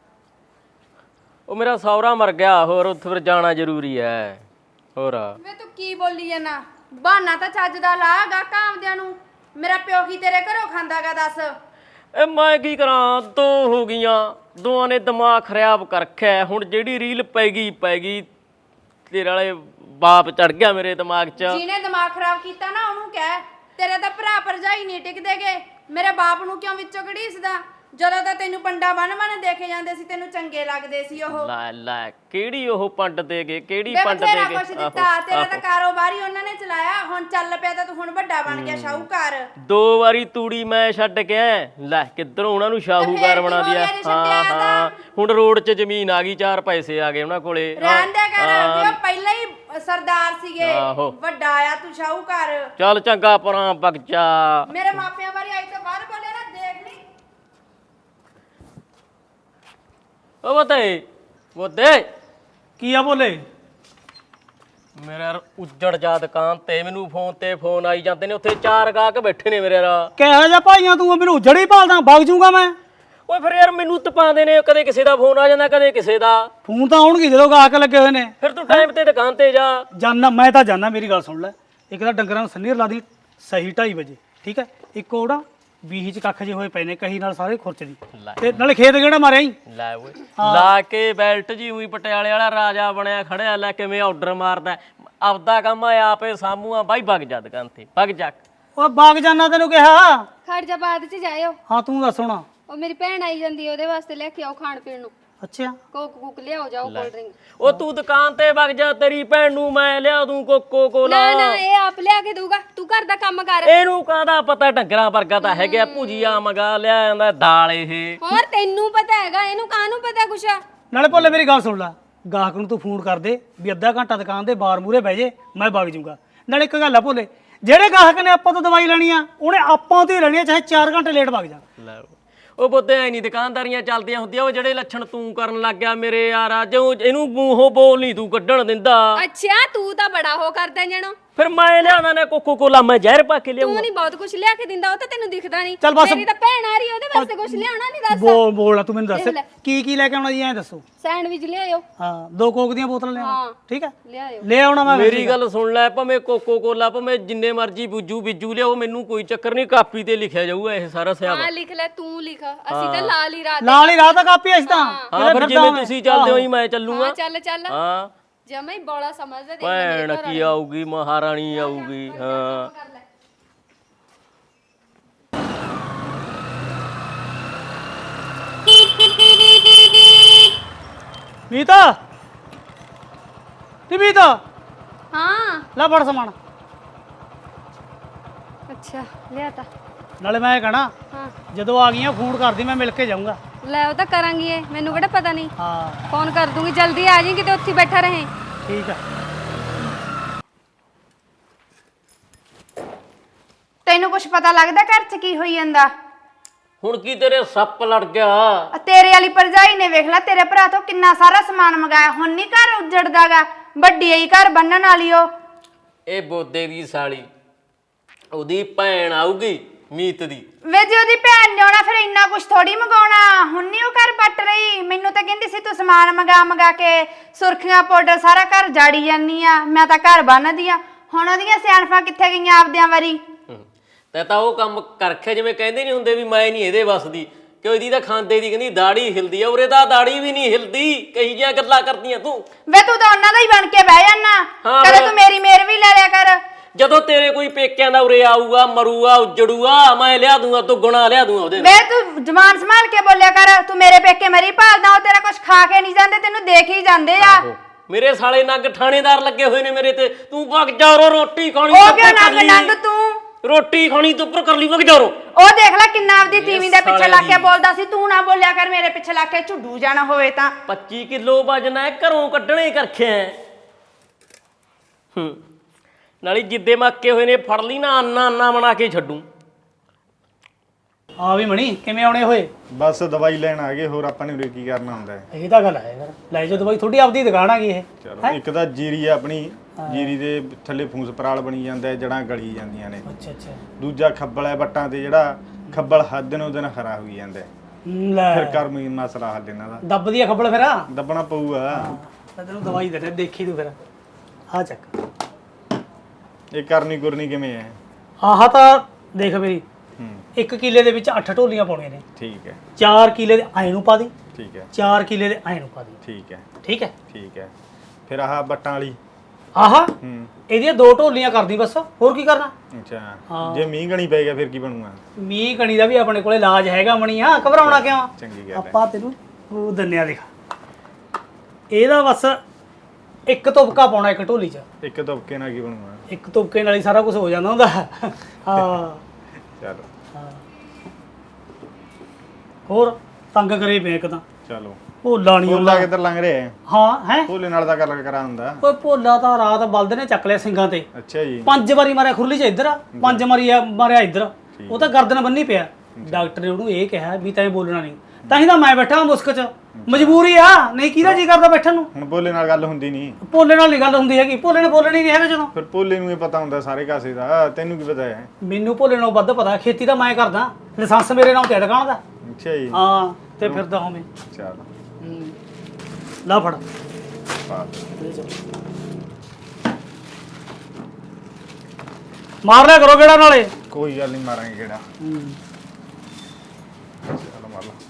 ਉਹ ਮੇਰਾ ਸਹੁਰਾ ਮਰ ਗਿਆ, ਹੋਰ ਉੱਥੇ ਫਿਰ ਜਾਣਾ ਜ਼ਰੂਰੀ ਹੈ। ਹੋਰ
ਵੇ ਤੂੰ ਕੀ ਬੋਲੀ ਜਾਣਾ? ਬਹਾਨਾ ਤਾਂ ਚੱਜ ਦਾ ਲਾਗਾ ਕਾਮਦਿਆਂ ਨੂੰ। ਮੇਰਾ ਪਿਓ ਕੀ ਤੇਰੇ ਘਰੋਂ ਖਾਂਦਾਗਾ ਦੱਸ?
ਇਹ ਮੈਂ ਕੀ ਕਰਾਂ, ਦੋ ਹੋ ਗਈਆਂ, ਦੋਵਾਂ ਨੇ ਦਿਮਾਗ ਖਰਾਬ ਕਰ ਰੱਖਿਆ। ਹੁਣ ਜਿਹੜੀ ਰੀਲ ਪੈ ਗਈ ਪੈ ਗਈ, ਤੇਰੇ ਵਾਲੇ ਬਾਪ ਚੜ ਗਿਆ ਮੇਰੇ ਦਿਮਾਗ 'ਚ।
ਜਿਹਨੇ ਦਿਮਾਗ ਖਰਾਬ ਕੀਤਾ ਨਾ ਉਹਨੂੰ ਕਹਿ, ਤੇਰੇ ਤਾਂ ਭਰਾ ਭਰਜਾਈ ਨਹੀਂ ਟਿਕਦੇਗੇ। ਮੇਰੇ ਬਾਪ ਨੂੰ ਕਿਉਂ ਵਿੱਚੋਂ ਘੜੀਸਦਾ? ਜਦੋਂ ਤਾਂ ਤੈਨੂੰ ਪੰਡਾ ਬੰਨ ਬੰਨ ਦੇਖੇ ਜਾਂਦੇ ਸੀ, ਤੈਨੂੰ ਚੰਗੇ ਲੱਗਦੇ ਸੀ ਉਹ।
ਲੈ ਲੈ, ਕਿਹੜੀ ਉਹ ਪੰਡ ਦੇ ਗਏ, ਕਿਹੜੀ
ਵੇ
ਪੰਡ ਦੇ
ਬਥੇਰਾ
ਗਏ?
ਕੁਛ ਦਿੱਤਾ, ਤੇਰਾ ਤਾਂ ਕਾਰੋਬਾਰ ਹੀ ਉਹਨਾਂ ਨੇ ਚਲਾਇਆ। ਹੁਣ ਚੱਲ ਪਿਆ ਤਾਂ ਤੂੰ ਹੁਣ ਵੱਡਾ ਬਣ ਗਿਆ ਸ਼ਾਹੂਕਾਰ।
ਦੋ ਵਾਰੀ ਤੂੜੀ ਮੈਂ ਛੱਡ ਕੇ ਆਇਆ। ਲੈ ਕਿੱਧਰੋਂ ਉਹਨਾਂ ਨੂੰ ਸ਼ਾਹੂਕਾਰ
ਕੀ
ਬਣਾ
ਹੋ
ਦਿਆ।
ਗਿਆ ਜੇ
ਹਾਂ
ਛੱਡਿਆ
ਹਾਂ, ਹੁਣ ਰੋਡ 'ਚ ਜ਼ਮੀਨ ਆ ਗਈ, ਚਾਰ ਪੈਸੇ ਆ ਗਏ ਉਹਨਾਂ ਕੋਲੇ।
ਰਹਿਣ ਦਿਆ ਕਰ, ਵੀ ਉਹ ਪਹਿਲਾਂ ਹੀ ਸਰਦਾਰ ਸੀਗੇ,
ਆਹੋ।
ਵੱਡਾ ਆ ਤੂੰ ਸ਼ਾਹੂਕਾਰ।
ਚੱਲ ਚੰਗਾ ਪਰਾਂ ਵਗ ਜਾ।
ਮੇਰੇ ਮਾਪਿਆਂ ਬਾਰੇ ਅੱਜ ਤੋਂ ਬਾਅਦ ਬੋਲਿਆ ਨਾ, ਦੇਖ ਲਈ।
ਉਹ ਬਤੇ ਬੋਦੇ
ਕੀ ਆ ਬੋਲੇ?
ਮੇਰੇ ਯਾਰ ਉੱਜੜ ਜਾ ਦੁਕਾਨ ਤੇ, ਮੈਨੂੰ ਫੋਨ ਤੇ ਫੋਨ ਆਈ ਜਾਂਦੇ ਨੇ, ਉੱਥੇ ਚਾਰ ਗਾਹਕ ਬੈਠੇ ਨੇ ਮੇਰੇ ਯਾਰ।
ਕਿਹੋ ਜਿਹਾ ਭਾਈਆਂ ਤੂੰ? ਮੈਨੂੰ ਜੜੀ ਭਾਲਦਾ, ਵਗ ਜੂਗਾ ਮੈਂ।
ਓਏ ਫਿਰ ਯਾਰ ਮੈਨੂੰ ਤਪਾਉਂਦੇ ਨੇ, ਕਦੇ ਕਿਸੇ ਦਾ ਫੋਨ ਆ ਜਾਂਦਾ, ਕਦੇ ਕਿਸੇ ਦਾ।
ਫੋਨ ਤਾਂ ਆਉਣਗੇ ਜਦੋਂ ਗਾਹਕ ਲੱਗੇ ਹੋਏ ਨੇ।
ਫਿਰ ਤੂੰ ਟਾਈਮ ਤੇ ਦੁਕਾਨ ਤੇ ਜਾ।
ਜਾਨਾ ਮੈਂ ਤਾਂ ਜਾਨਾ, ਮੇਰੀ ਗੱਲ ਸੁਣ ਲੈ। ਇੱਕ ਤਾਂ ਡੰਗਰਾਂ ਨੂੰ ਸੰਨੀਰ ਲਾ ਦੀ ਸਹੀ ਢਾਈ ਵਜੇ, ਠੀਕ ਹੈ? ਇੱਕ ਉਹਦਾ ਬੀਹੀ ਚ ਕੱਖ ਜੇ ਹੋਏ ਪਏ ਨੇ, ਕਹੀ ਨਾਲ ਸਾਰੇ ਖੁਰਚ ਦੀ, ਤੇ ਨਾਲੇ ਖੇਤ ਕਿਹੜਾ ਮਾਰਿਆ ਹੀ।
ਲੈ ਓਏ, ਲਾ ਕੇ ਬੈਲਟ ਜੀ ਉਹੀ ਪਟਿਆਲੇ ਵਾਲਾ ਰਾਜਾ ਬਣਿਆ ਖੜਿਆ, ਲੈ ਕਿਵੇਂ ਆਰਡਰ ਮਾਰਦਾ। ਆਪਦਾ ਕੰਮ ਆ ਆਪੇ ਸਾਮੂਆ ਬਾਈ, ਵਗ ਜਾ ਦੁਕਾਨ ਤੇ, ਵਗ ਜਾ।
ਉਹ ਬਾਗ ਜਾਨਾ ਤੈਨੂੰ ਕਿਹਾ।
ਖੜ ਜਾ, ਬਾਅਦ ਚ ਜਾਇਓ।
ਹਾਂ ਤੂੰ ਦੱਸ ਹੁਣ।
ਉਹ ਮੇਰੀ ਭੈਣ ਆਈ ਜਾਂਦੀ, ਉਹਦੇ ਵਾਸਤੇ ਲੈ ਕੇ ਆਓ ਖਾਣ ਪੀਣ ਨੂੰ।
ਅੱਛਾ,
ਕੋਕ ਕੁਕ ਲਿਆਓ, ਜਾਓ ਕੋਲਡ ਡਰਿੰਕ।
ਉਹ ਤੂੰ ਦੁਕਾਨ ਤੇ ਵਗ ਜਾ, ਤੇਰੀ ਭੈਣ ਨੂੰ ਮੈਂ ਲਿਆ ਦੂੰ ਕੋਕੋ ਕੋਲਾ।
ਨਾ ਨਾ, ਇਹ ਆਪ ਲਿਆ ਕੇ ਦਊਗਾ, ਤੂੰ ਘਰ ਦਾ ਕੰਮ ਕਰ।
ਇਹਨੂੰ ਕਾਹਦਾ ਪਤਾ, ਡੰਗਰਾਂ ਵਰਗਾ ਤਾਂ ਹੈਗਾ। ਭੁਜੀਆ ਮੰਗਾ ਲਿਆ ਜਾਂਦਾ, ਦਾਲ ਇਹ।
ਹੋਰ ਤੈਨੂੰ ਪਤਾ ਹੈਗਾ, ਇਹਨੂੰ ਕਾਹਨੂੰ ਪਤਾ ਕੁਛ?
ਨਾਲੇ ਭੋਲੇ ਮੇਰੀ ਗੱਲ ਸੁਣ ਲੈ। ਗਾਹਕ ਨੂੰ ਤੂੰ ਫੋਨ ਕਰ ਦੇ ਵੀ ਅੱਧਾ ਘੰਟਾ ਦੁਕਾਨ ਦੇ ਬਾਰ ਮੂਰੇ ਬਹਿ ਜੇ, ਮੈਂ ਵਗ ਜਾਊਂਗਾ। ਨਾਲੇ ਇੱਕ ਗੱਲ ਆ ਭੋਲੇ, ਜਿਹੜੇ ਗਾਹਕ ਨੇ ਆਪਾਂ ਤੋਂ ਦਵਾਈ ਲੈਣੀ ਆ ਉਹਨੇ ਆਪਾਂ ਤੋਂ ਹੀ ਲੈਣੀ ਆ, ਚਾਹੇ ਚਾਰ ਘੰਟੇ ਲੇਟ ਵਗ ਜਾ।
ਲੈ ਉਹ ਬੋਤੇ ਐ ਨਹੀਂ ਦੁਕਾਨਦਾਰੀਆਂ ਚੱਲਦੀਆਂ ਹੁੰਦੀਆਂ। ਉਹ ਜਿਹੜੇ ਲੱਛਣ ਤੂੰ ਕਰਨ ਲੱਗ ਗਿਆ ਮੇਰੇ ਯਾਰਾ, ਜੋ ਇਹਨੂੰ ਮੂੰਹੋਂ ਬੋਲ ਨਹੀਂ ਤੂੰ ਕੱਢਣ ਦਿੰਦਾ।
ਅੱਛਾ ਤੂੰ ਤਾਂ ਬੜਾ ਹੋ ਕਰਦਾ ਜਾਣੋ।
ਫਿਰ ਮੈਂ ਲਿਆਉਣਾ ਨੇ ਕੋਕੋ ਕੋਲਾ, ਮੈਂ ਜ਼ਹਿਰ ਪਾ ਕੇ
ਤੂੰ
ਲਿਆਉਂਗਾ।
ਨਹੀਂ ਬਹੁਤ ਕੁਝ ਲਿਆ ਕੇ ਦਿੰਦਾ, ਉਹ ਤਾਂ ਤੈਨੂੰ ਦਿਖਦਾ ਨਹੀਂ।
ਚੱਲ ਬਸ।
ਮੇਰੀ ਤਾਂ ਭੈਣ ਆ ਰਹੀ ਉਹਦੇ ਵਾਸਤੇ ਕੁਝ ਲਿਆਉਣਾ ਨਹੀਂ ਦੱਸ।
ਬੋਲ ਬੋਲ ਤੂੰ ਮੈਨੂੰ ਦੱਸ
ਦੇਖ ਲੈ।
ਕੀ ਕੀ ਲੈ ਕੇ ਆਉਣਾ ਜੀ, ਐਂ ਦੱਸੋ।
ਸੈਂਡਵਿਚ ਲਿਆਇਓ।
ਹਾਂ ਦੋ ਕੋਕ ਦੀਆਂ ਬੋਤਲਾਂ ਲਿਆਉਣਾ,
ਹਾਂ।
ਠੀਕ ਹੈ
ਲਿਆਇਓ।
ਲੈ ਆਉਣਾ ਮੈਂ।
ਮੇਰੀ ਗੱਲ ਸੁਣ ਲੈ, ਭਾਵੇਂ ਕੋਕੋ ਕੋਲਾ ਭਾਵੇਂ ਜਿੰਨੇ ਮਰਜੀ ਬੁੱਜੂ ਬਿੱਜੂ ਲਿਆਓ, ਮੈਨੂੰ ਕੋਈ ਚੱਕਰ ਨਹੀਂ। ਕਾਪੀ ਤੇ ਲਿਖਿਆ ਜਾਊਗਾ ਇਹ ਸਾਰਾ ਸਿਆਬ।
ਹਾਂ ਲਿਖ ਲੈ, ਤੂੰ ਲਿਖ। ਅਸੀਂ ਤਾਂ ਲਾਲ ਹੀ ਰਾਤ
ਨਾਲ ਹੀ ਰਾਤ ਦਾ ਕਾਪੀ ਇਸ ਤਾਂ
ਹਾਂ ਫਿਰ ਜਿਵੇਂ ਤੁਸੀਂ ਚੱਲਦੇ ਹੋ ਹੀ ਮੈਂ ਚੱਲੂਗਾ।
ਹਾਂ ਚੱਲ ਚੱਲ।
ਹਾਂ
ਜਮਾ ਹੀ ਬੋਲਾ ਸਮਝਦਾ। ਦੇਖ
ਭੈਣ ਕੀ ਆਊਗੀ, ਮਹਾਰਾਣੀ ਆਊਗੀ। ਹਾਂ
ਮੀਤਾ ਨੀ ਮੀਤਾ
ਹਾਂ
ਲੈ ਫੜ ਸਮਾਨ।
ਅੱਛਾ ਲਿਆ ਤਾ।
ਨਾਲੇ ਮੈਂ ਕਹਣਾ
ਹਾਂ
ਜਦੋਂ ਆ ਗਈਆਂ ਫੋਨ ਕਰਦੀ, ਮੈਂ ਮਿਲ ਕੇ ਜਾਊਂਗਾ।
ਲੈ ਉਹ ਤਾਂ ਕਰਾਂਗੀ, ਇਹ ਮੈਨੂੰ ਕਿਹੜਾ ਪਤਾ ਨਹੀਂ।
ਹਾਂ
ਫੋਨ ਕਰ ਦੂੰਗੀ, ਜਲਦੀ ਆ ਜਾਈਂ, ਕਿਤੇ ਉੱਥੇ ਬੈਠਾ ਰਹੇ।
ਠੀਕ ਆ।
ਤੈਨੂੰ ਕੁਝ ਪਤਾ ਲੱਗਦਾ ਘਰ 'ਚ ਕੀ ਹੋਈ ਜਾਂਦਾ?
ਹੁਣ ਕੀ ਤੇਰੇ ਸੱਪ ਲੜ ਗਿਆ?
ਆ ਤੇਰੇ ਵਾਲੀ ਭਰਜਾਈ ਨੇ ਵੇਖ ਲੈ ਤੇਰੇ ਭਰਾ ਤੋਂ ਕਿੰਨਾ ਸਾਰਾ ਸਮਾਨ ਮੰਗਾਇਆ, ਹੁਣ ਨਹੀਂ ਘਰ ਉੱਜੜਦਾਗਾ। ਵੱਡੀ ਆਈ ਘਰ ਬੰਨਣ ਵਾਲੀ ਉਹ।
ਇਹ ਬੋਦੇ ਦੀ ਸਾਲੀ, ਉਹਦੀ ਭੈਣ ਆਊਗੀ ਮੀਤ ਦੀ।
ਵੇ ਜੇ ਉਹਦੀ ਭੈਣ ਨੇ ਆਉਣਾ ਫਿਰ ਇੰਨਾ ਕੁਝ ਥੋੜੀ ਮੰਗਾਉਣਾ। ਹੁਣ ਨਹੀਂ ਉਹ ਘਰ ਪੱਟ ਰਹੀ। ਮੈਨੂੰ ਤਾਂ ਕਹਿੰਦੀ ਸੀ ਤੂੰ ਸਮਾਨ ਮੰਗਾ ਮੰਗਾ ਕੇ ਸੁਰਖੀਆਂ ਪਾਊਡਰ ਸਾਰਾ ਘਰ ਜਾੜੀ ਜਾਂਦੀ ਆ, ਮੈਂ ਤਾਂ ਘਰ ਬੰਨਦੀ ਆ। ਹੁਣ ਉਹਦੀਆਂ ਸਿਆਣਫਾਂ ਕਿੱਥੇ ਗਈਆਂ ਆਪਦਿਆਂ ਵਾਰੀ?
ਤੇ ਤਾਂ ਉਹ ਕੰਮ ਕਰਖਿਆ, ਜਿਵੇਂ ਕਹਿੰਦੇ ਨਹੀਂ ਹੁੰਦੇ ਵੀ ਮੈਂ ਨਹੀਂ ਇਹਦੇ ਵੱਸ ਦੀ, ਕਿ ਇਹਦੀ ਤਾਂ ਖਾਂਦੇ ਦੀ ਕਹਿੰਦੀ ਦਾੜੀ ਹਿਲਦੀ ਆ, ਉਰੇ ਤਾਂ ਦਾੜੀ ਵੀ ਨਹੀਂ ਹਿਲਦੀ। ਕਹੀ ਜਿਹੀਆਂ ਗੱਲਾਂ ਕਰਦੀਆਂ ਤੂੰ।
ਵੇ ਤੂੰ ਤਾਂ ਉਹਨਾਂ ਦਾ ਹੀ ਬਣ ਕੇ ਬਹਿ ਜਾਨਾ।
ਹਾਂ
ਕਦੇ
ਫਿਰ।
ਤੂੰ ਮੇਰੀ ਮੇਰ ਵੀ ਲੈ ਲਿਆ ਕਰ।
ਜਦੋਂ ਤੇਰੇ ਕੋਈ ਪੇਕਿਆਂ ਦਾ ਉਰੇ ਆਊਗਾ, ਮਰੂਗਾ, ਉੱਜੜੂਗਾ, ਮੈਂ ਲਿਆ ਦੂੰਗਾ, ਤੂੰ ਗੁਣਾ ਲਿਆ ਦੂੰਗਾ ਉਹਦੇ।
ਵੇ ਤੂੰ ਜ਼ਬਾਨ ਸੰਭਾਲ ਕੇ ਬੋਲਿਆ ਕਰ। ਤੂੰ ਮੇਰੇ ਪੇਕੇ ਮਰੀ ਭਾਲਦਾ, ਉਹ ਤੇਰਾ ਕੁਝ ਖਾ ਕੇ ਨਹੀਂ ਜਾਂਦੇ, ਤੈਨੂੰ ਦੇਖ ਹੀ ਜਾਂਦੇ ਆ।
ਮੇਰੇ ਸਾਲੇ ਨੰਗ ਥਾਣੇਦਾਰ ਲੱਗੇ ਹੋਏ ਨੇ ਮੇਰੇ ਤੇ। ਤੂੰ ਵਗ ਜਾ ਰੋ, ਰੋਟੀ ਖਾਣੀ
ਉਹ
ਤੂੰ
ਕਿਉਂ
ਕਰ
ਨੰਗ
ਲਈ।
ਨੰਗ ਤੂੰ?
ਰੋਟੀ ਖਾਣੀ ਤੂੰ ਉੱਪਰ ਕਰ ਲਈ, ਵਗ ਜਾ ਰੋ।
ਉਹ ਦੇਖ ਲੈ ਕਿੰਨਾ ਆਪਦੀ ਤੀਵੀਂ ਦੇ ਪਿੱਛੇ
ਸਾਲੇ
ਲੱਗ ਕੇ
ਦੀ।
ਬੋਲਦਾ ਸੀ। ਤੂੰ ਨਾ ਬੋਲਿਆ ਕਰ ਮੇਰੇ ਪਿੱਛੇ ਲੱਗ ਕੇ, ਝੁੱਡੂ ਜਾਣਾ ਹੋਵੇ ਤਾਂ।
ਪੱਚੀ ਕਿਲੋ ਵਜਨ ਹੈ, ਘਰੋਂ ਕੱਢਣੇ ਕਰਖਿਆ। ਹੂੰ ਨਾਲੇ ਜਿੱਦੇ ਮੱਕੇ ਹੋਏ ਨੇ ਫੜ ਲਈ ਨਾ, ਅੰਨਾ ਅੰਨਾ ਬਣਾ ਕੇ ਛੱਡੂ।
ਆ ਵੀ ਮਣੀ ਕਿਵੇਂ ਆਉਣੇ ਹੋਏ?
ਬਸ ਦਵਾਈ ਲੈਣ ਆ ਗਏ, ਹੋਰ ਆਪਾਂ ਨੇ ਉਰੇ ਕੀ ਕਰਨਾ ਹੁੰਦਾ ਹੈ।
ਇਹ ਤਾਂ ਗੱਲ ਹੈ ਯਾਰ, ਲੈ ਜਾਓ ਦਵਾਈ, ਤੁਹਾਡੀ ਆਪਦੀ ਦੁਕਾਨ ਆ ਗਈ ਇਹ।
ਚਲੋ ਇੱਕ ਤਾਂ ਜੀਰੀ ਆ ਆਪਣੀ, ਜੀਰੀ ਦੇ ਥੱਲੇ ਫੂਸ ਪਰਾਲ ਬਣੀ ਜਾਂਦਾ ਹੈ, ਜੜਾਂ ਗਲੀ ਜਾਂਦੀਆਂ ਨੇ।
ਅੱਛਾ ਅੱਛਾ
ਦੂਜਾ ਖੱਬਲ ਹੈ ਵੱਟਾਂ ਤੇ, ਜਿਹੜਾ ਖੱਬਲ ਹੱਦ ਦਿਨੋਂ ਦਿਨ ਹਰਾ ਹੋਈ ਜਾਂਦਾ ਹੈ।
ਲੈ
ਫਿਰ ਕਰਮੀ ਮਸਲਾ ਹੱਲ ਇਹਨਾਂ ਦਾ
ਦੱਬਦੀ ਆ ਖੱਬਲ ਫਿਰ।
ਦੱਬਣਾ ਪਊਗਾ।
ਤਾਂ ਤੈਨੂੰ ਦਵਾਈ ਦੇ ਦੇ, ਦੇਖੀ ਤੂੰ ਫਿਰ। ਆ ਚੱਕ।
ਇਹ ਕਰਨੀ ਗੁਰਨੀ ਕਿਵੇਂ ਹੈ?
ਆਹ ਤਾਂ ਦੇਖ ਮੇਰੀ,
ਹੂੰ
ਇੱਕ ਕਿੱਲੇ ਦੇ ਵਿੱਚ ਅੱਠ ਢੋਲੀਆਂ ਪਾਉਣੀਆਂ ਨੇ।
ਠੀਕ ਹੈ
ਚਾਰ ਕਿੱਲੇ ਦੇ ਐਂ ਨੂੰ ਪਾ ਦੀ,
ਠੀਕ ਹੈ
ਚਾਰ ਕਿੱਲੇ ਦੇ ਐਂ ਨੂੰ ਪਾ ਦੀ।
ਠੀਕ ਹੈ
ਠੀਕ ਹੈ।
ਠੀਕ ਹੈ। ਫਿਰ ਆਹ ਵੱਟਾਂ ਵਾਲੀ।
ਆਹ
ਹੂੰ
ਇਹਦੀਆਂ ਦੋ ਢੋਲੀਆਂ ਕਰਦੀ ਬਸ, ਹੋਰ ਕੀ ਕਰਨਾ।
ਅੱਛਾ ਜੇ ਮੀਂਹ ਗਣੀ ਪੈ ਗਿਆ ਫਿਰ ਕੀ ਬਣੂਗਾ?
ਮੀਂਹ ਕਣੀ ਦਾ ਵੀ ਆਪਣੇ ਕੋਲੇ ਇਲਾਜ ਹੈਗਾ ਮਣੀਆ, ਘਬਰਾਉਣਾ ਕਿਉਂ?
ਚੰਗੀ ਗੱਲ ਹੈ।
ਆਪਾਂ ਤੈਨੂੰ ਉਹ ਦੰਨਿਆ ਦਿਖਾ। ਇਹਦਾ ਬਸ ਇੱਕ ਤੁਪਕਾ ਪਾਉਣਾ ਇੱਕ ਢੋਲੀ 'ਚ।
ਇੱਕ ਤੁਪਕੇ ਨਾਲ ਕੀ ਬਣੂਗਾ?
ਇੱਕ ਤੁਪਕੇ ਨਾਲ ਹੀ ਸਾਰਾ ਕੁਝ ਹੋ ਜਾਂਦਾ ਹੁੰਦਾ। ਹਾਂ
ਚਲੋ
ਹੋਰ ਤੰਗ ਕਰੇ ਪਏ ਇੱਕ ਤਾਂ।
ਚਲੋ
ਭੋਲਾ ਨਹੀਂ
ਭੋਲਾ ਕਿੱਧਰ ਲੰਘ ਰਿਹਾ ਹੈ?
ਹਾਂ ਹੈ
ਭੋਲੇ ਨਾਲ ਤਾਂ ਗੱਲ ਕਰਾ ਹੁੰਦਾ।
ਓਏ ਭੋਲਾ ਤਾਂ ਰਾਤ ਬਲਦ ਨੇ ਚੱਕ ਲਿਆ ਸਿੰਘਾਂ ਤੇ।
ਅੱਛਾ ਜੀ।
ਪੰਜ ਵਾਰੀ ਮਾਰਿਆ ਖੁਰਲੀ 'ਚ ਇੱਧਰ, ਪੰਜ ਵਾਰੀ ਆ ਮਾਰਿਆ ਇੱਧਰ। ਉਹ ਤਾਂ ਗਰਦਨ ਬੰਨੀ ਪਿਆ। ਡਾਕਟਰ ਨੇ ਉਹਨੂੰ ਇਹ ਕਿਹਾ ਵੀ ਤੈਂ ਬੋਲਣਾ ਨਹੀਂ। ਤਾਂ ਹੀ ਤਾਂ ਮੈਂ ਬੈਠਾ ਮੁਸਕ 'ਚ, ਮਜਬੂਰੀ ਆ, ਨਹੀਂ ਕਿਹਦਾ ਜੀ ਕਰਦਾ ਬੈਠਣ ਨੂੰ।
ਹੁਣ ਭੋਲੇ ਨਾਲ ਗੱਲ ਹੁੰਦੀ ਨਹੀਂ।
ਭੋਲੇ ਨਾਲ ਨਹੀਂ ਗੱਲ ਹੁੰਦੀ ਹੈਗੀ, ਭੋਲੇ ਨੇ ਬੋਲਣਾ ਹੀ ਨਹੀਂ ਹੈਗਾ ਜਦੋਂ।
ਫਿਰ ਭੋਲੇ ਨੂੰ ਇਹ ਪਤਾ ਹੁੰਦਾ ਸਾਰੇ ਕਾਸੇ ਦਾ, ਤੈਨੂੰ ਕੀ ਪਤਾ ਹੈ?
ਮੈਨੂੰ ਭੋਲੇ ਨਾਲੋਂ ਵੱਧ ਪਤਾ, ਖੇਤੀ ਤਾਂ ਮੈਂ ਕਰਦਾ, ਲਾਇਸੈਂਸ ਮੇਰੇ ਨਾਮ ਤੇ ਦੁਕਾਨ ਦਾ।
ਅੱਛਾ ਜੀ।
ਹਾਂ ਤੇ ਫਿਰਦਾ ਹੋਵੇਂ।
ਚਲ
ਲਾ ਫੜ।
ਪਾ
ਮਾਰ ਲਿਆ ਕਰੋ ਗੇੜਾ ਨਾਲੇ।
ਕੋਈ ਗੱਲ ਨਹੀਂ, ਮਾਰਾਂਗੇ ਕਿਹੜਾ। ਚਲ ਮਾਰ ਲਾ।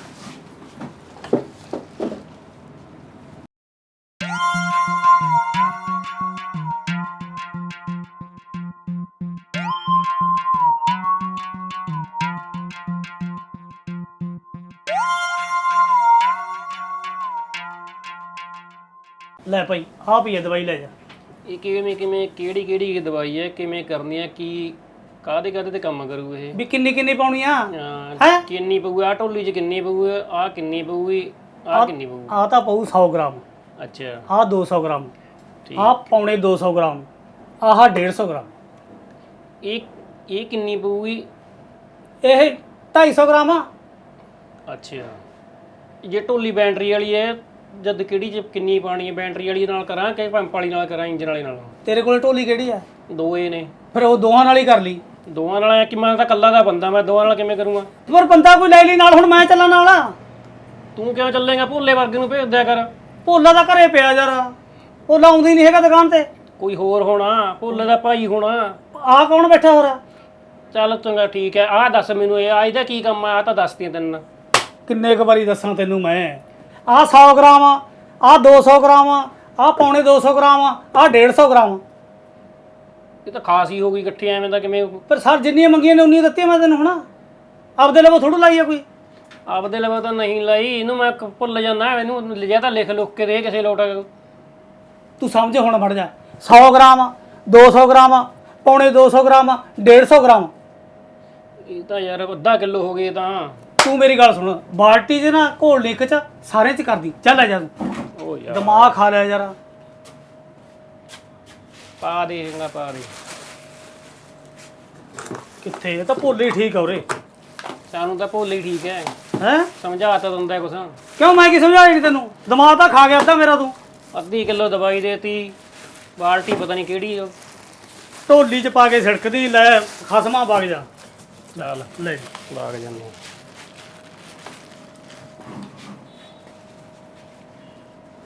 ਲੈ ਭਾਈ ਆ ਪਈ ਦਵਾਈ, ਲੈ ਜਾ।
ਇਹ ਕਿਵੇਂ ਕਿਵੇਂ ਕਿਹੜੀ ਕਿਹੜੀ ਦਵਾਈ ਹੈ, ਕਿਵੇਂ ਕਰਨੀ ਹੈ, ਕੀ ਕਾਹਦੇ ਕਾਹਦੇ ਤੇ ਕੰਮ ਕਰੂ ਇਹ?
ਵੀ ਕਿੰਨੀ ਕਿੰਨੀ ਪਾਉਣੀ ਆ?
ਅਹ,
ਹੈਂ?
ਕਿੰਨੀ ਪਊ ਆ ਢੋਲੀ 'ਚ, ਕਿੰਨੀ ਪਊ ਆ, ਕਿੰਨੀ ਪਊਗੀ, ਆ ਕਿੰਨੀ ਪਊ?
ਆ ਤਾਂ ਪਊ ਸੌ ਗ੍ਰਾਮ।
ਅੱਛਾ
ਆਹ ਦੋ ਸੌ ਗ੍ਰਾਮ,
ਠੀਕ।
ਆਹ ਪੌਣੇ ਦੋ ਸੌ ਗ੍ਰਾਮ, ਆਹ ਡੇਢ ਸੌ ਗ੍ਰਾਮ।
ਇਹ ਇਹ ਕਿੰਨੀ ਪਊਗੀ?
ਇਹ ਢਾਈ ਸੌ ਗ੍ਰਾਮ ਆ।
ਅੱਛਾ ਜੇ ਢੋਲੀ ਬੈਟਰੀ ਵਾਲੀ ਹੈ ਜਦ ਕਿਹੜੀ ਚ ਕਿੰਨੀ ਪਾਣੀ ਹੈ? ਬੈਟਰੀ ਵਾਲੀ ਨਾਲ ਕਰਾਂ ਕਿ ਪੰਪ ਵਾਲੀ ਨਾਲ ਕਰਾਂ, ਇੰਜਨ ਵਾਲੇ ਨਾਲ?
ਤੇਰੇ ਕੋਲ ਢੋਲੀ ਕਿਹੜੀ ਆ?
ਦੋਏ ਨੇ।
ਫਿਰ ਉਹ ਦੋਹਾਂ ਨਾਲ ਹੀ ਕਰ ਲਈ।
ਦੋਵਾਂ ਨਾਲ ਐਂ ਕਿ ਮੈਂ ਤਾਂ ਇਕੱਲਾ ਦਾ ਬੰਦਾ, ਮੈਂ ਦੋਵਾਂ ਨਾਲ ਕਿਵੇਂ ਕਰੂੰਗਾ?
ਪਰ ਬੰਦਾ ਕੋਈ ਲੈ ਲਈ ਨਾਲ, ਹੁਣ ਮੈਂ ਚੱਲਾਂ ਨਾਲ।
ਤੂੰ ਕਿਉਂ ਚੱਲੇਗਾ? ਭੋਲੇ ਵਰਗੇ ਨੂੰ ਭੇਜ ਦਿਆ ਕਰ।
ਭੋਲਾ ਤਾਂ ਘਰੇ ਪਿਆ ਯਾਰ, ਭੋਲਾ ਆਉਂਦੀ ਨਹੀਂ ਹੈਗਾ ਦੁਕਾਨ ਤੇ।
ਕੋਈ ਹੋਰ ਹੋਣਾ, ਭੋਲੇ ਦਾ ਭਾਈ ਹੋਣਾ।
ਆਹ ਕੌਣ ਬੈਠਾ ਹੋਰ?
ਚੱਲ ਚੰਗਾ ਠੀਕ ਹੈ। ਆਹ ਦੱਸ ਮੈਨੂੰ, ਇਹ ਆ ਇਹਦਾ ਕੀ ਕੰਮ ਆ? ਆਹ ਤਾਂ ਦੱਸਦੀਆਂ ਤੈਨੂੰ।
ਕਿੰਨੇ ਕੁ ਵਾਰੀ ਦੱਸਾਂ ਤੈਨੂੰ ਮੈਂ? ਆਹ ਸੌ ਗ੍ਰਾਮ ਆ, ਆਹ ਦੋ ਸੌ ਗ੍ਰਾਮ ਆ, ਆਹ ਪੌਣੇ ਦੋ ਸੌ ਗ੍ਰਾਮ ਆ, ਆਹ ਡੇਢ ਸੌ ਗ੍ਰਾਮ ਆ।
ਇਹ ਤਾਂ ਖਾਸ ਹੀ ਹੋ ਗਈ ਇਕੱਠੇ, ਐਵੇਂ ਦਾ ਕਿਵੇਂ?
ਪਰ ਸਰ ਜਿੰਨੀਆਂ ਮੰਗੀਆਂ ਨੇ ਉਨੀਆਂ ਦਿੱਤੀਆਂ ਮੈਂ ਤੈਨੂੰ। ਹੁਣ ਆਪਦੇ ਲਵੋ ਥੋੜੂ ਲਾਈ ਆ ਕੋਈ।
ਆਪਦੇ ਲਵਾ ਤਾਂ ਨਹੀਂ ਲਈ, ਇਹਨੂੰ ਮੈਂ ਕ- ਭੁੱਲ ਜਾਂਦਾ। ਮੈਨੂੰ ਲਿਜਾ ਤਾਂ ਲਿਖ ਲੁੱਕ ਕੇ ਦੇ ਕਿਸੇ ਲੋਟ।
ਤੂੰ ਸਮਝ ਹੁਣ ਵੜ ਜਾ। ਸੌ ਗ੍ਰਾਮ ਆ, ਦੋ ਸੌ ਗ੍ਰਾਮ ਆ, ਪੌਣੇ ਦੋ ਸੌ ਗ੍ਰਾਮ ਆ, ਡੇਢ ਸੌ ਗ੍ਰਾਮ ਆ।
ਇਹ ਤਾਂ ਯਾਰ ਅੱਧਾ ਕਿਲੋ ਹੋ ਗਏ ਤਾਂ।
ਤੂੰ ਮੇਰੀ ਗੱਲ ਸੁਣ, ਬਾਲਟੀ 'ਚ ਨਾ ਘੋਲ ਲਿਖ ਚ ਸਾਰੇ 'ਚ ਕਰਦੀ। ਚੱਲ ਆ ਜਾ ਤੂੰ,
ਉਹ ਯਾਰ
ਦਿਮਾਗ ਖਾ ਲਿਆ ਯਾਰ।
ਪਾ ਦੇਗਾ, ਪਾ ਦੇ।
ਕਿੱਥੇ? ਇਹ ਤਾਂ ਭੋਲੇ ਠੀਕ ਆ ਉਰੇ।
ਸਾਨੂੰ ਤਾਂ ਭੋਲੇ ਹੀ ਠੀਕ ਹੈ।
ਹੈ
ਸਮਝਾ ਤਾਂ ਦਿੰਦਾ ਕੁਛ।
ਕਿਉਂ? ਮੈਂ ਕੀ ਸਮਝਾਇਆ ਨਹੀਂ ਤੈਨੂੰ? ਦਿਮਾਗ ਤਾਂ ਖਾ ਗਿਆ ਅੱਧਾ ਮੇਰਾ ਤੂੰ।
ਅੱਧੀ ਕਿਲੋ ਦਵਾਈ ਦੇਤੀ, ਬਾਲਟੀ ਪਤਾ ਨਹੀਂ ਕਿਹੜੀ ਉਹ।
ਢੋਲੀ 'ਚ ਪਾ ਕੇ ਛਿੜਕਦੀ। ਲੈ ਖਸਮਾਂ ਵਗ ਜਾ।
ਚੱਲ
ਲੈ
ਬਾਗ ਜਾਂਦੇ।